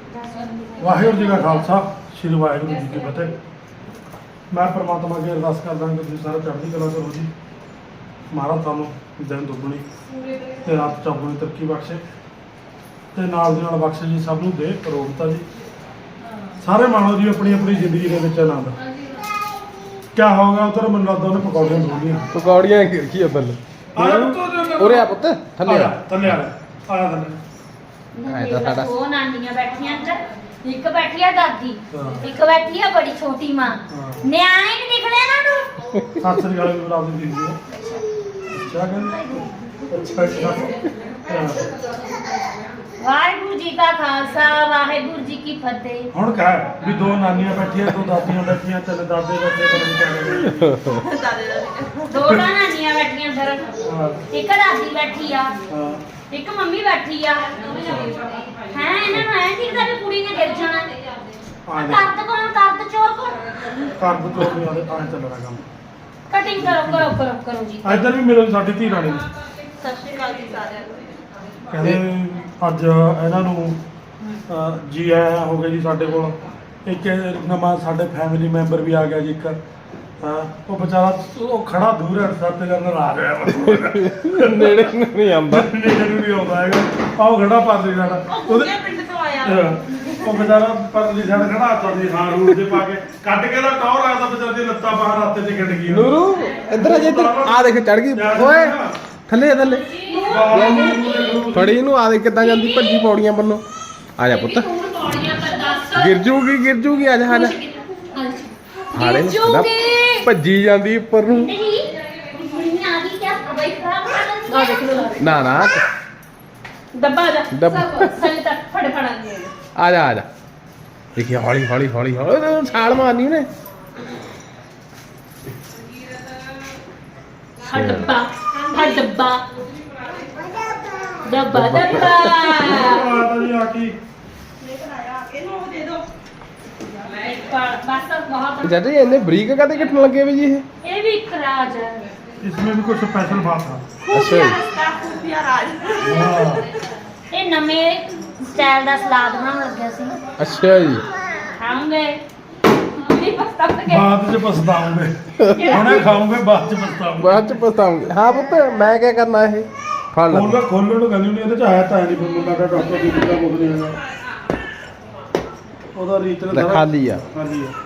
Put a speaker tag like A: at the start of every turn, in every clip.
A: ਵਾਹਿਗੁਰੂ ਜੀ ਕਾ ਖਾਲਸਾ ਸ੍ਰੀ ਵਾਹਿਗੁਰੂ ਜੀ ਕੀ ਫਤਿਹ। ਮੈਂ ਪਰਮਾਤਮਾ ਅੱਗੇ ਅਰਦਾਸ ਕਰਦਾ ਕਿ ਤੁਸੀਂ ਸਾਰੇ ਚੜ੍ਹਦੀ ਕਲਾ ਕਰੋ ਜੀ। ਮਹਾਰਾਜ ਤੁਹਾਨੂੰ ਦਿਨ ਦੁੱਗਣੀ ਤੇ ਰਾਤ ਚੌਗੁਣੀ ਤਰੱਕੀ ਬਖਸ਼ੇ ਤੇ ਨਾਲ ਦੀ ਨਾਲ ਬਖਸ਼ੇ ਜੀ ਸਭ ਨੂੰ ਦੇ ਅਰੋਗਤਾ ਜੀ। ਸਾਰੇ ਮਾਣੋ ਜੀ ਆਪਣੀ ਆਪਣੀ ਜ਼ਿੰਦਗੀ ਦੇ ਵਿੱਚ ਆਨੰਦ। ਕਿਆ ਹੋਗਾ ਉਧਰ ਮੈਨੂੰ ਲੱਗਦਾ ਉਹਨੇ ਪਕੌੜੀਆਂ ਢੂੰਢੀਆਂ।
B: ਪਕੌੜੀਆਂ ਕੀ ਆ ਬੱਲੇ ਉਰੇ ਆ ਪੁੱਤ ਥੱਲੇ ਆ
A: ਥੱਲੇ ਆਇਆ ਥੱਲੇ
B: ਐ ਤਾਂ ਸਾਡਾ
C: ਦੋ ਨਾਨੀਆਂ ਬੈਠੀਆਂ ਅੰਦਰ, ਇੱਕ ਬੈਠੀ ਆ ਦਾਦੀ, ਇੱਕ ਬੈਠੀ ਆ ਬੜੀ ਛੋਟੀ ਮਾਂ। ਨਿਆਣੇ ਨਹੀਂ ਦਿਖਦੇ ਨਾ ਨੂੰ।
A: ਸਤਿ ਸ੍ਰੀ ਅਕਾਲ ਜੀ ਰਾਤ ਦੀ ਜੀ। ਅੱਛਾ ਕਹਿੰਦੇ ਅੱਛਾ
C: ਵਾਹਿਗੁਰੂ ਜੀ ਕਾ ਖਾਲਸਾ ਵਾਹਿਗੁਰੂ ਜੀ ਕੀ ਫਤਿਹ।
A: ਹੁਣ ਕਹਿ ਵੀ ਦੋ ਨਾਨੀਆਂ ਬੈਠੀਆਂ ਦੋ ਦਾਦੀਆਂ ਬੈਠੀਆਂ ਤਿੰਨ ਦਾਦੇ ਬੈਠੇ ਪਤਾ ਨਹੀਂ ਕਿਆ
C: ਦੋ ਨਾਨੀਆਂ ਬੈਠੀਆਂ ਅੰਦਰ, ਇੱਕ ਦਾਦੀ ਬੈਠੀ ਆ,
A: ਹਾਂ
C: ਇੱਕ ਮੰਮੀ ਬੈਠੀ ਆ। ਹੈ ਇਹਨਾਂ ਨੂੰ ਐਂ ਦਿਖਦਾ ਵੀ ਕੁੜੀ ਨੇ ਗਿਰ ਜਾਣਾ। ਕਰਦ ਕੌਣ, ਕਰਦ ਚੋਰ ਕੌਣ?
A: ਕਰਦ ਤੋਂ ਵੀ ਆਦੇ ਤਾਂ ਚੱਲਣਾ ਕੰਮ।
C: ਕਟਿੰਗ ਕਰੋ ਜੀ।
A: ਇੱਧਰ ਵੀ ਮਿਲੋ ਸਾਡੀ ਧੀ ਰਾਣੀ ਨੂੰ।
C: ਸਤਿ ਸ਼੍ਰੀ ਅਕਾਲ ਜੀ ਸਾਰਿਆਂ ਨੂੰ।
A: ਕਹਿੰਦੇ ਅੱਜ ਇਹਨਾਂ ਨੂੰ ਜੀ ਆਇਆ ਹੋ ਗਿਆ ਜੀ ਸਾਡੇ ਕੋਲ। ਇੱਕ ਨਵਾਂ ਸਾਡੇ ਫੈਮਿਲੀ ਮੈਂਬਰ ਵੀ ਆ ਗਿਆ ਜੀ ਇੱਕ। ਉਹ ਵਿਚਾਰਾ ਉਹ ਖੜਾ ਦੂਰ ਹੈ ਸੱਤ ਕਰਨ ਨਾਰਾਜ਼ ਹੋਇਆ।
B: ਨੇੜੇ ਨਹੀਂ ਆਉਂਦਾ
A: ਨੇੜੇ ਨੂੰ ਨਹੀਂ ਆਉਂਦਾ ਹੈਗਾ। ਆਹ ਖੜਾ ਪਰਲੀ ਸਾਡਾ ਉਹਦੇ
C: ਪਿੰਡ ਤੋਂ ਆਇਆ।
A: ਉਹ ਵਿਚਾਰਾ ਪਰਲੀ ਸਾਡਾ ਖੜਾ ਹੱਥਾਂ ਦੀ ਹਾਂ ਰੂਟ ਦੇ ਪਾ ਕੇ ਕੱਢ ਕੇ ਦਾ ਟੌਰ ਆਇਆ ਤਾਂ ਵਿਚਾਰੀ ਦੀਆਂ ਲੱਤਾਂ ਬਾਹਰ ਹੱਥ 'ਚ ਗਿੱਟ ਗਈਆਂ।
B: ਨੂਰੂ ਇੱਧਰ ਆ ਜੇ ਆ ਦੇਖ ਚੜ ਗਈ ਓਏ ਥੱਲੇ ਥੱਲੇ ਫੜੀ ਇਹਨੂੰ ਆ ਦੇ ਕਿੱਦਾਂ ਜਾਂਦੀ ਭੱਜੀ ਪੌੜੀਆਂ ਵੱਲੋਂ। ਆ ਜਾ ਪੁੱਤ ਗਿਰ ਜੂਗੀ ਆ ਜਾ ਹਾੜੇ ਨੂੰ ਭੱਜੀ ਜਾਂਦੀ ਉੱਪਰ ਨੂੰ। ਨਾ
C: ਡੱਬਾ ਜਾ
B: ਡੱਬਾ।
C: ਥੱਲੇ ਤੱਕ ਫੜਾਂਗੇ।
B: ਆ ਜਾ ਦੇਖੀ ਹੌਲੀ ਛਾਲ ਮਾਰਨੀ ਉਹਨੇ।
C: ਡੱਬਾ
A: ਜੀ ਆ ਕੀ
C: बस बहुत
B: ਜੱਟ ਜੀ ਇੰਨੇ ਬਰੀਕ ਕਾਤੇ ਕੱਟਣ ਲੱਗੇ ਵੀ ਜੀ ਇਹ?
C: ये भी एक राज है।
A: इसमें भी कुछ स्पेशल बात है।
B: ਅੱਛਾ ਜੀ
A: हाँ।
C: ये नवे स्टाइल ਦਾ ਸਲਾਦ ਬਣਾਉਣ ਲੱਗਿਆ ਸੀ।
B: ਅੱਛਾ ਜੀ
C: ਖਾਉਂਗੇ ਨਹੀਂ ਪਛਤਾਉਂਗੇ।
A: ਬਾਅਦ ਚ ਪਛਤਾਉਂਗੇ। ਹੁਣੇ ਖਾਉਂਗੇ ਬਾਅਦ ਚ ਪਛਤਾਉਂਗੇ।
B: ਬਾਅਦ ਚ ਪਛਤਾਉਂਗੇ। ਹਾਂ ਪੁੱਤ ਮੈਂ ਕੀ ਕਰਨਾ ਇਹ ਫੜ ਲੈ
A: ਖੋਲਣ ਨੂੰ ਕਹਿੰਦੀ ਨਹੀਂ ਇਹਦੇ ਚ ਆਇਆ ਤਾਂ ਨਹੀਂ ਮੈਨੂੰ ਲੱਗਾ ਡਾਕਟਰ ਦੀ ਕਿਹਦਾ ਕੁਝ ਨਹੀਂ ਹੈਗਾ। ਉਹਦਾ ਰੀਤਲ
B: ਲੈ ਖਾਲੀ ਆ
A: ਖਾਲੀ ਆ।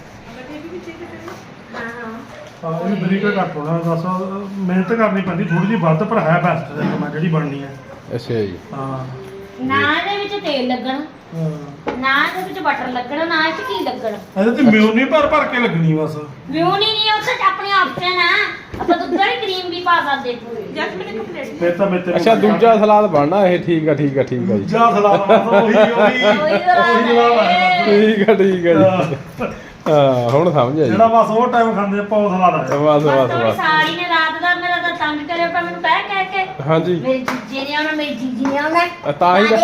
C: ਹਾਂ
A: ਹਾਂ ਇਹਨੂੰ ਬਰੀਕ ਘੱਟ ਹੋਣਾ ਬਸ ਮਿਹਨਤ ਕਰਨੀ ਪੈਂਦੀ ਥੋੜੀ ਜਿਹੀ ਵੱਧ ਪਰ ਹੈ ਬੈਸਟ ਦੇ ਮੈਂ ਜਿਹੜੀ ਬਣਨੀ ਹੈ।
B: ਅੱਛਾ ਜੀ
A: ਹਾਂ
C: ਨਾ ਇਹਦੇ ਵਿੱਚ ਤੇਲ ਲੱਗਣਾ,
A: ਹਾਂ।
C: ਨਾ ਇਹਦੇ ਵਿੱਚ ਬਟਰ ਲੱਗਣਾ, ਨਾ ਇਹ ਚ ਕੀ ਲੱਗਣਾ।
A: ਇਹਦੇ ਤੇ ਮਿਊਨੀ ਭਰ ਕੇ ਲੱਗਣੀ ਬਸ।
C: ਵਿਊਨੀ ਨਹੀਂ ਉਹ ਤਾਂ ਆਪਣੇ ਆਪਸ਼ਨ ਆ। ਆਪਾਂ ਦੁੱਧ ਵਾਲੀ ਕਰੀਮ ਵੀ ਪਾ ਸਕਦੇ। ਜੈਸਮੀਨ ਇੱਕ ਪਲੇਟ
A: ਫਿਰ ਤਾਂ ਮੇਰੇ
B: ਅੱਛਾ ਦੂਜਾ ਸਲਾਦ ਬਣਨਾ ਇਹ ਠੀਕ ਆ ਜੀ
A: ਦੂਜਾ ਸਲਾਦ ਬਸ ਉਹੀ ਜਵਾਬ ਆਇਆ
B: ਠੀਕ ਆ ਜੀ ਹਾਂ ਹੁਣ ਸਮਝ ਆ ਜੀ
A: ਜਿਹੜਾ ਬਸ ਉਹ ਟਾਈਮ ਖਾਂਦੇ ਆਪਾਂ ਉਹ ਸਲਾਦ ਆਇਆ।
B: ਬਸ
C: ਸਾਰੀ ਨੇ ਰਾਤ ਦਾ ਮੇਰਾ ਤਾਂ ਤੰਗ ਕਰਿਆ ਪਿਆ ਮੈਨੂੰ ਕਹਿ ਕੇ
B: ਹਾਂਜੀ
C: ਮੇਰੀ ਜੀਜੇ ਨੇ ਆਉਣਾ, ਮੇਰੀ ਜੀਜੀ ਨੇ ਆਉਣਾ।
B: ਤਾਂ ਹੀ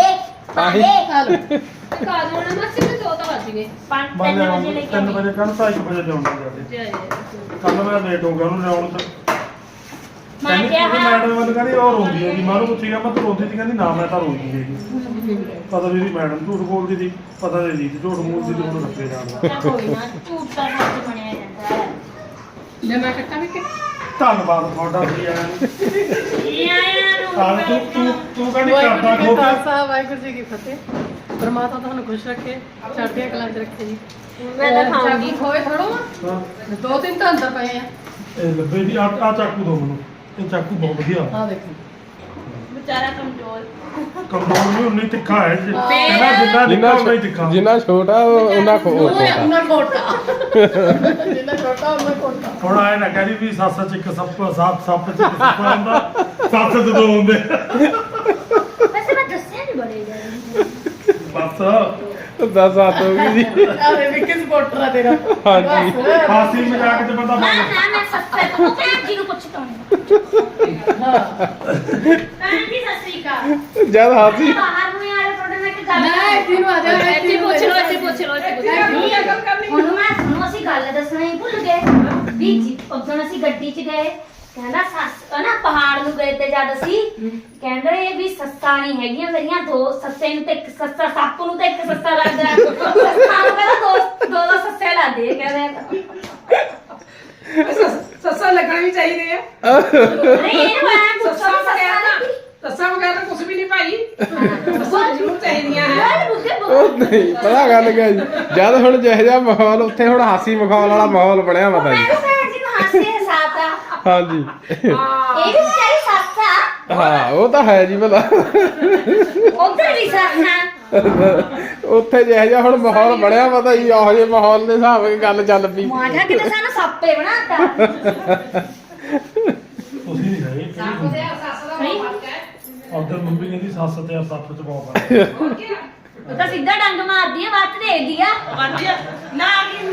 C: ਕਾਜੂ ਨੇ ਮੱਛੀ ਤੇ ਦੋ ਤਾਂ ਵੱਜ ਗਏ 5-3 ਵਜੇ ਲੈ ਕੇ
A: 3 ਵਜੇ ਕੱਲ 2:30 ਵਜੇ ਜਾਉਂਦਾ ਜਾਂਦੇ। ਕੱਲ ਮੈਂ ਲੇਟ ਹੋ ਗਿਆ ਉਹਨੂੰ ਲਿਆਉਣ ਤੇ।
C: ਮੈਂ
A: ਕਹਿੰਦੀ
C: ਕਿਹਾ
A: ਮੈਡਮ ਮੈਨੂੰ ਕਹਿੰਦੀ ਉਹ ਰੋਂਦੀ ਹੈ ਜੀ। ਮੈਂ ਉਹਨੂੰ ਪੁੱਛਿਆ ਮੈਂ ਤੂੰ ਰੋਂਦੀ ਸੀ? ਕਹਿੰਦੀ ਨਾ ਮੈਂ ਤਾਂ ਰੋਂਦੀ ਹੈਗੀ। ਪਤਾ ਨਹੀਂ ਦੀ ਮੈਡਮ ਝੂਠ ਬੋਲਦੀ ਸੀ, ਪਤਾ ਨਹੀਂ ਦੀ ਝੂਠ ਬੋਲਦੀ ਸੀ ਉਹਨੂੰ ਰੱਖੇ ਜਾਣਦਾ।
C: ਚੱਲ ਕੋਈ ਨਾ, ਝੂਠ ਤਾਂ ਸੱਚ ਬਣਿਆ ਜਾਂਦਾ ਹੈ।
D: ਲੈ ਮੈਂ ਕੱਟਾਂ ਵੀ ਕਿ
A: ਧੰਨਵਾਦ ਤੁਹਾਡਾ ਜੀ ਆਇਆਂ ਨੂੰ।
C: ਇਹ ਆਇਆ ਨੂੰ
A: ਤੂੰ ਕਹਿੰਦੀ
D: ਵਾਹਿਗੁਰੂ
A: ਕਰਦਾ
D: ਜੀ ਕਾ
A: ਖੋਪ
D: ਖਾਲਸਾ ਵਾਹਿਗੁਰੂ ਜੀ ਕੀ ਫਤਿਹ। ਪਰਮਾਤਮਾ ਤੁਹਾਨੂੰ ਖੁਸ਼ ਰੱਖੇ, ਚੜ੍ਹਦੀਆਂ ਕਲਾਂ 'ਚ ਰੱਖੇ ਜੀ।
C: ਮੈਂ ਤਾਂ ਖਾਊਂਗੀ।
D: ਚਾਕੂ ਖੋਏ ਥੋੜੋ
A: ਹਾਂ।
D: 2-3 ਤਾਂ ਅੰਦਰ ਪਏ ਆ।
A: ਇਹ ਲੱਭੇ ਦੀ ਆ ਚਾਕੂ ਦੋ ਮੈਨੂੰ। ਇਹ ਚਾਕੂ ਬਹੁਤ ਵਧੀਆ।
D: ਆਹ ਦੇਖੋ
C: ਵਿਚਾਰਾ ਕਮਜ਼ੋਰ।
A: ਕਮਜ਼ੋਰ ਨਹੀਂ ਉਨੀ ਤਿੱਖਾ ਹੈ ਜੀ। ਕਹਿੰਦਾ ਜਿੰਨਾ ਨਿੱਕਾ ਉਨਾ ਹੀ ਤਿੱਖਾ।
B: ਜਿੰਨਾ ਛੋਟਾ ਉਹਨਾਂ ਛੋਟਾ
D: ਉਹਨਾਂ ਕੋਟਾ ਜਿੰਨਾ ਛੋਟਾ ਉਹਨਾਂ ਕੋਟਾ।
A: ਹੁਣ ਆਏ ਨਾ ਕਹਿੰਦੀ ਵੀ ਸੱਸ ਚ ਇੱਕ ਸੱਪ ਸੱਪ ਚ ਇੱਕ ਸੱਪ ਹੁੰਦਾ, ਸੱਸ ਚ ਦੋ ਹੁੰਦੇ।
C: ਵੈਸੇ ਮੈਂ ਦੱਸਿਆ ਨਹੀਂ ਬੜੇ ਜਾਣੇ।
A: ਬਸ
B: 10 ਹੱਥ ਹੋ ਗਈ ਜੀ
D: ਆਹ ਵੀ ਕਿਸ ਕੋਟਰਾ ਤੇਰਾ
B: ਹਾਂਜੀ।
D: ਬਸ।
A: ਹਾਸੀ ਮਜ਼ਾਕ ਚ ਬੰਦਾ
C: ਨਾ
A: ਬਣ
C: ਮੈਂ ਸੱਸੇ ਤੋਂ ਭੈਣ ਜੀ ਨੂੰ ਪੁੱਛਦਾ ਹਾਂ।
D: ਹਾਂ
C: ਭੈਣ ਜੀ ਸਤਿ ਸ੍ਰੀ ਅਕਾਲ।
B: ਜਦ ਹਾਸੀ
C: ਬਾਹਰ ਨੂੰ ਆਏ ਤੁਹਾਡੇ ਨਾਲ ਇੱਕ ਗੱਲ
D: ਨਾ ਇੱਥੇ ਨੂੰ ਆ ਜਾ ਇੱਥੇ
C: ਪੁੱਛ ਲਓ। ਹੁਣ ਅਸੀਂ ਗੱਲ ਦੱਸਣਾ ਹੀ ਭੁੱਲ ਗਏ ਵੀ ਜੀ ਉਦੋਂ ਅਸੀਂ ਗੱਡੀ 'ਚ ਗਏ ਕਹਿੰਦਾ ਸੱਸ ਨਾ ਪਹਾੜ ਨੂੰ ਗਏ ਤੇ ਜਦ ਅਸੀਂ ਕਹਿੰਦੇ ਵੀ ਸੱਸਾਂ ਨਹੀਂ ਹੈਗੀਆਂ ਮੇਰੀਆਂ ਦੋ ਸੱਸੇ ਨੂੰ ਤੇ ਇੱਕ ਸੱਸਾ ਸੱਪ ਨੂੰ ਤੇ ਇੱਕ ਸੱਸਾ ਲੱਗਦਾ ਸੱਸਾਂ ਨੂੰ ਕਹਿੰਦਾ ਦੋ ਸੱਸੇ ਲੱਗਦੇ ਕਹਿੰਦੇ
D: ਸੱਸਾਂ ਲੱਗਣੇ ਵੀ ਚਾਹੀਦੇ ਆ
C: ਨਹੀਂ ਇਹਨੂੰ ਐਂ ਪੁੱਛੋ
D: ਸੱਸਾਂ ਵਗੈਰਾ ਕੁਝ ਵੀ ਨਹੀਂ ਭਾਈ ਸੱਸਾਂ ਜ਼ਰੂਰ ਚਾਹੀਦੀਆਂ
B: ਉਹ ਨਹੀਂ ਪਤਾ ਗੱਲ ਕਿਆ ਜੀ ਜਦ ਹੁਣ ਜਿਹੋ ਜਿਹਾ ਮਾਹੌਲ ਉੱਥੇ ਹੁਣ ਹਾਸੀ ਮਖੌਲ ਵਾਲਾ ਮਾਹੌਲ ਬਣਿਆ ਪਤਾ ਜੀ
C: ਹਾਸੇ ਸਾਤਾ
B: ਹਾਂਜੀ
C: ਇਹ ਵੀ ਚਾਹੀ ਸੱਸਾ
B: ਹਾਂ ਉਹ ਤਾਂ ਹੈ ਜੀ ਭਲਾ
C: ਉੱਧਰ ਵੀ ਸੱਸਾ
B: ਉੱਥੇ ਜਿਹੋ ਜਿਹਾ ਹੁਣ ਮਾਹੌਲ ਬਣਿਆ ਪਤਾ ਜੀ ਉਹੋ ਜਿਹੇ ਮਾਹੌਲ ਦੇ ਹਿਸਾਬ ਨਾਲ ਗੱਲ ਚੱਲ ਪਈ
C: ਮਾਝਾ ਕਿਤੇ ਸਾਨੂੰ ਸੱਪੇ ਬਣਾਤਾ
A: ਤੁਸੀਂ ਨਹੀਂ ਹੈਗੇ
D: ਸੱਸ ਦੇ ਸੱਸ ਦਾ ਬਹੁਤ ਫਰਕ ਹੈ
A: ਉਧਰ ਮੰਮੀ ਕਹਿੰਦੀ ਸੱਸ ਤੇ ਸੱਪ ਚ ਬਹੁਤ ਫਰਕ ਹੈ।
D: ਹੋਰ ਕੀ
C: ਉਹ ਤਾਂ ਸਿੱਧਾ ਡੰਗ ਮਾਰਦੀ ਆ ਵੱਤ ਦੇਖਦੀ ਆ
D: ਵਧੀਆ ਨਾ ਕੀ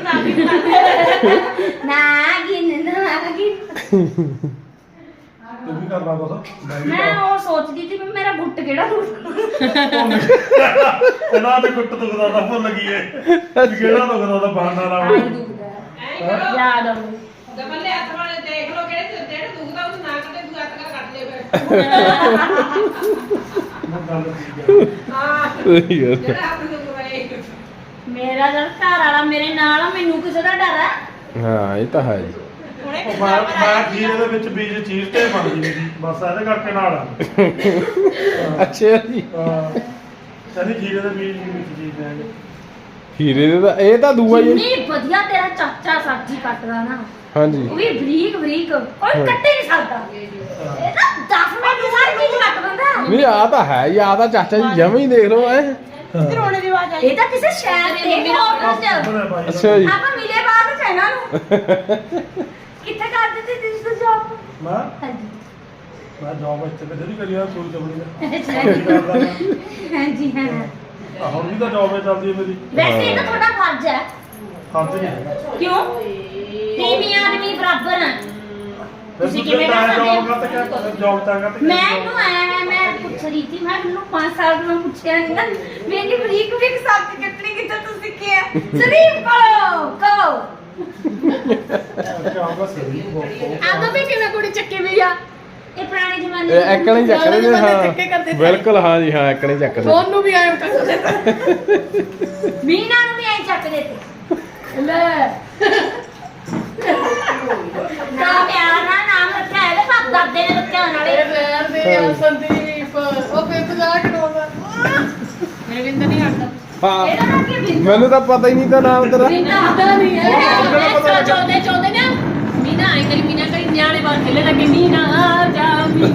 A: ਤੂੰ ਵੀ ਕਰਨਾ ਕੁਛ
C: ਮੈਂ ਉਹ ਸੋਚਦੀ ਸੀ ਵੀ ਮੇਰਾ ਗੁੱਟ ਕਿਹੜਾ
A: ਇਹਨਾਂ ਦੇ ਗੁੱਟ ਦੁਖਦਾ ਤਾਂ ਭੁੱਲ ਗਈ ਏ ਕਿਹੜਾ ਦੁਖਦਾ ਤਾਂ ਬਹਾਨਾ
C: ਆਈ
A: ਲਾਉਂ
C: ਦੁਖਦਾ
D: ਐਂ ਕਰੋ
C: ਯਾਦ ਆਉਂਦੀ
D: ਦਬਲੇ ਹੱਥ ਵਾਲੇ ਦੇਖ ਲਓ ਕਿਹੜੇ ਜਿਹੜੇ ਦੁਖਦਾ ਉਹਨੂੰ ਨਾ ਕੱਢੇ ਦੂਆ ਹੱਥ ਨਾਲ ਕੱਟ ਲਿਓ ਫਿਰ
A: ਗੱਲ ਠੀਕ ਹੈ
D: ਹਾਂ ਜਿਹੜਾ ਹੱਥ ਦੁਖਦਾ ਹੈ
C: ਮੇਰਾ ਜਦ ਘਰ ਵਾਲਾ ਮੇਰੇ ਨਾਲ ਆ ਮੈਨੂੰ ਕਿਸੇ ਦਾ ਡਰ ਆ
B: ਹਾਂ ਇਹ ਤਾਂ ਹੈ ਜੀ
A: ਉਹ ਮੈਂ ਖੀਰੇ ਦੇ ਵਿੱਚ ਬੀਜ ਚੀਜ਼ ਤੇ ਬਣਦੀ ਸੀ ਬਸ ਇਹਦੇ ਕਰਕੇ ਨਾਲ ਆ
B: ਅੱਛਾ ਜੀ
A: ਕਹਿੰਦੀ ਖੀਰੇ ਦੇ ਬੀਜ ਵਿੱਚ ਚੀਜ਼ ਦੇਣਗੇ
B: ਹੀਰੇ ਦੇ ਤਾਂ ਇਹ ਤਾਂ ਦੂਆ ਹੀ ਹੈ।
C: ਜਿੰਨੀ ਵਧੀਆ ਤੇਰਾ ਚਾਚਾ ਸਬਜ਼ੀ ਕੱਟਦਾ ਨਾ
B: ਹਾਂਜੀ
C: ਉਹ ਵੀ ਬਰੀਕ ਬਰੀਕ ਕੋਈ ਕੱਟੇ ਨਹੀਂ ਸਕਦਾ ਇਹ ਤਾਂ 10 ਮਿੰਟ ਦੀ ਸਾਰੀ ਚੀਜ਼ ਕੱਟ ਦਿੰਦਾ
B: ਨਹੀਂ ਆ ਤਾਂ ਹੈ ਹੀ ਆ ਤਾਂ ਚਾਚਾ ਜੀ ਜਮਾਂ ਹੀ ਦੇਖ ਲਓ ਐ
D: ਰੋਣੇ ਦੀ ਆਵਾਜ਼ ਆਈ
C: ਇਹ ਤਾਂ ਕਿਸੇ ਸ਼ਹਿਰ ਦੇ ਹੋਟਲ 'ਚ
B: ਅੱਛਾ ਜੀ
C: ਆਪਾਂ ਮਿਲੇ ਬਾਅਦ ਚ ਇਹਨਾਂ ਨੂੰ ਕਿੱਥੇ ਕਰਦੇ ਸੀ ਤੁਸੀਂ ਜੌਬ
A: ਮੈਂ
C: ਹਾਂਜੀ
A: ਜੌਬ ਇੱਥੇ ਕਿਤੇ ਨਹੀਂ ਕਰੀ ਆ ਸੂਲ ਚਬੜੀ
C: ਹਾਂਜੀ ਹਾਂ
A: ਦਾ ਹੁਣ ਵੀ ਤਾਂ ਜੌਬ ਚੱਲਦੀ ਹੈ ਮੇਰੀ
C: ਵੈਸੇ ਇਹ ਤਾਂ ਤੁਹਾਡਾ ਫਰਜ਼ ਹੈ
A: ਫਰਜ਼ ਨਹੀਂ ਹੈਗਾ
C: ਕਿਉਂ ਤੀਵੀਂ ਆਦਮੀ ਬਰਾਬਰ ਹੈ ਤੁਸੀਂ
A: ਫਿਰ
C: ਕਿਵੇਂ ਕਰ ਸਕਦੇ
A: ਜੌਬ
C: ਹੋ?
A: ਕਰਤਾ ਕਿਆ ਜੌਬ ਤਾਂ ਕਰਤਾ
C: ਮੈਂ ਪੁੱਛ ਰਹੀ ਸੀ ਮੈਂ ਮੈਨੂੰ 5 ਸਾਲ ਤੋਂ ਪੁੱਛਿਆ ਨਹੀਂ ਨਾ ਮੇਰੀ ਬਰੀਕ ਬਰੀਕ ਸਬਜ਼ੀ ਕੱਟਣੀ ਕਿੱਥੇ ਤੋਂ ਸਿੱਖਿਆ ਸ਼ਰੀਫ ਕਹੋ
A: ਕਿਆ ਹੋਗਾ ਸਹੀ ਬਹੁਤ
D: ਆਦੋ ਵੀ ਕਿਵੇਂ ਕੁੜੀ ਚੱਕੀ ਵੀ ਆ
C: ਇਹ ਪੁਰਾਣੇ ਜ਼ਮਾਨੇ
B: ਇਹ ਐਕਣੇ ਹੀ ਚੱਕਦੇ ਨੇ
D: ਚੱਕੇ ਕਰਦੇ
B: ਹਾਂ
D: ਸੀ।
B: ਬਿਲਕੁਲ ਹਾਂ ਜੀ ਹਾਂ ਐਕਣੇ ਚੱਕਦੇ
D: ਫੋਨ ਨੂੰ ਵੀ ਆਏ ਕਰਦੇ
C: ਮੀਨਾ ਨੂੰ ਵੀ ਐਂ ਚੱਕਦੇ ਤੇ
D: ਲੈ
C: ਨਾ ਪਿਆਰ ਨਾਲ ਨਾਮ ਰੱਖਿਆ ਇਹਦੇ ਪਾਪ ਦਾਦੇ ਨੇ ਰੱਖਿਆ ਨਾਲੇ
D: ਇਹ ਪੈਰ ਦੇ ਆ ਸੰਦੀਪ ਉਹ ਫਿਰ ਜਾ ਕੇ ਰੋਦਾ ਮੇਰੇ ਵਿੰਦਰ ਨਹੀਂ ਹਟਦਾ
B: ਹਾਂ
C: ਇਹਦਾ ਨਾਮ ਕੀ ਬਿੰਦੂ
B: ਮੈਨੂੰ ਤਾਂ ਪਤਾ ਹੀ ਨਹੀਂ ਤਾਂ ਨਾਮ ਤੇਰਾ
D: ਮੀਨਾ ਆਦਾ ਨਹੀਂ ਹੈ
C: ਚੌਦੇ ਨਾ
D: ਮੀਨਾ ਆਈ ਕਰੀ ਮੀਨਾ ਕਰੀ ਨਿਆਣੇ ਬਾਹਰ ਖੇਲੇ ਲੱਗੇ ਮੀਨਾ ਆ ਜਾ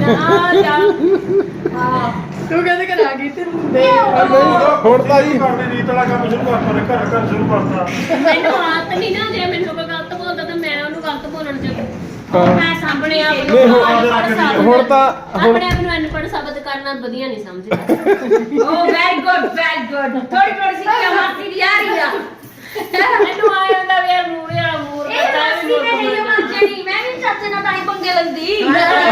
D: ਹਾਂ ਤੂੰ ਕਹਿੰਦੇ ਕਿ ਆ ਗਈ ਤੇ ਦੇ
B: ਹੁਣ ਤਾਂ ਜੀ
A: ਕਰਨੀ ਰੀਤ ਵਾਲਾ ਕੰਮ ਸ਼ੁਰੂ ਕਰਤਾ ਘਰ ਘਰ ਸ਼ੁਰੂ ਕਰਤਾ
D: ਮੈਨੂੰ ਆਤ ਨਹੀਂ ਨਾ ਜੇ ਮੈਨੂੰ ਕੋਈ ਗਲਤ ਬੋਲਦਾ ਤਾਂ ਮੈਂ ਉਹਨੂੰ ਗਲਤ ਬੋਲਣ ਚ
C: ਮੈਂ ਸਾਹਮਣੇ ਆ
B: ਨਹੀਂ, ਹੁਣ ਤਾਂ ਹੁਣ
D: ਆਪਣੇ ਆਪ ਨੂੰ ਅਨਪੜ੍ਹ ਸਾਬਤ ਕਰਨਾ ਵਧੀਆ ਨਹੀਂ ਸਮਝਦਾ
C: ਓ ਵੈਰੀ ਗੁੱਡ ਥੋੜੀ ਥੋੜੀ ਸਿੱਖਿਆ ਮਾਰਦੀ ਦੀ ਆ ਰਹੀ ਆ
D: ਮੈਨੂੰ ਆ ਜਾਂਦਾ ਵੀ ਯਾਰ ਮੂਰੇ ਵਾਲਾ ਮੂਰ
C: ਇਹ ਮਸਤੀ ਨੇ ਨਹੀਂ ਮਰਜਣੀ ਮੈਂ ਵੀ ਚਾਚੇ ਨਾਲ ਤਾਂ ਹੀ ਪੰਗੇ ਲੈਂਦੀ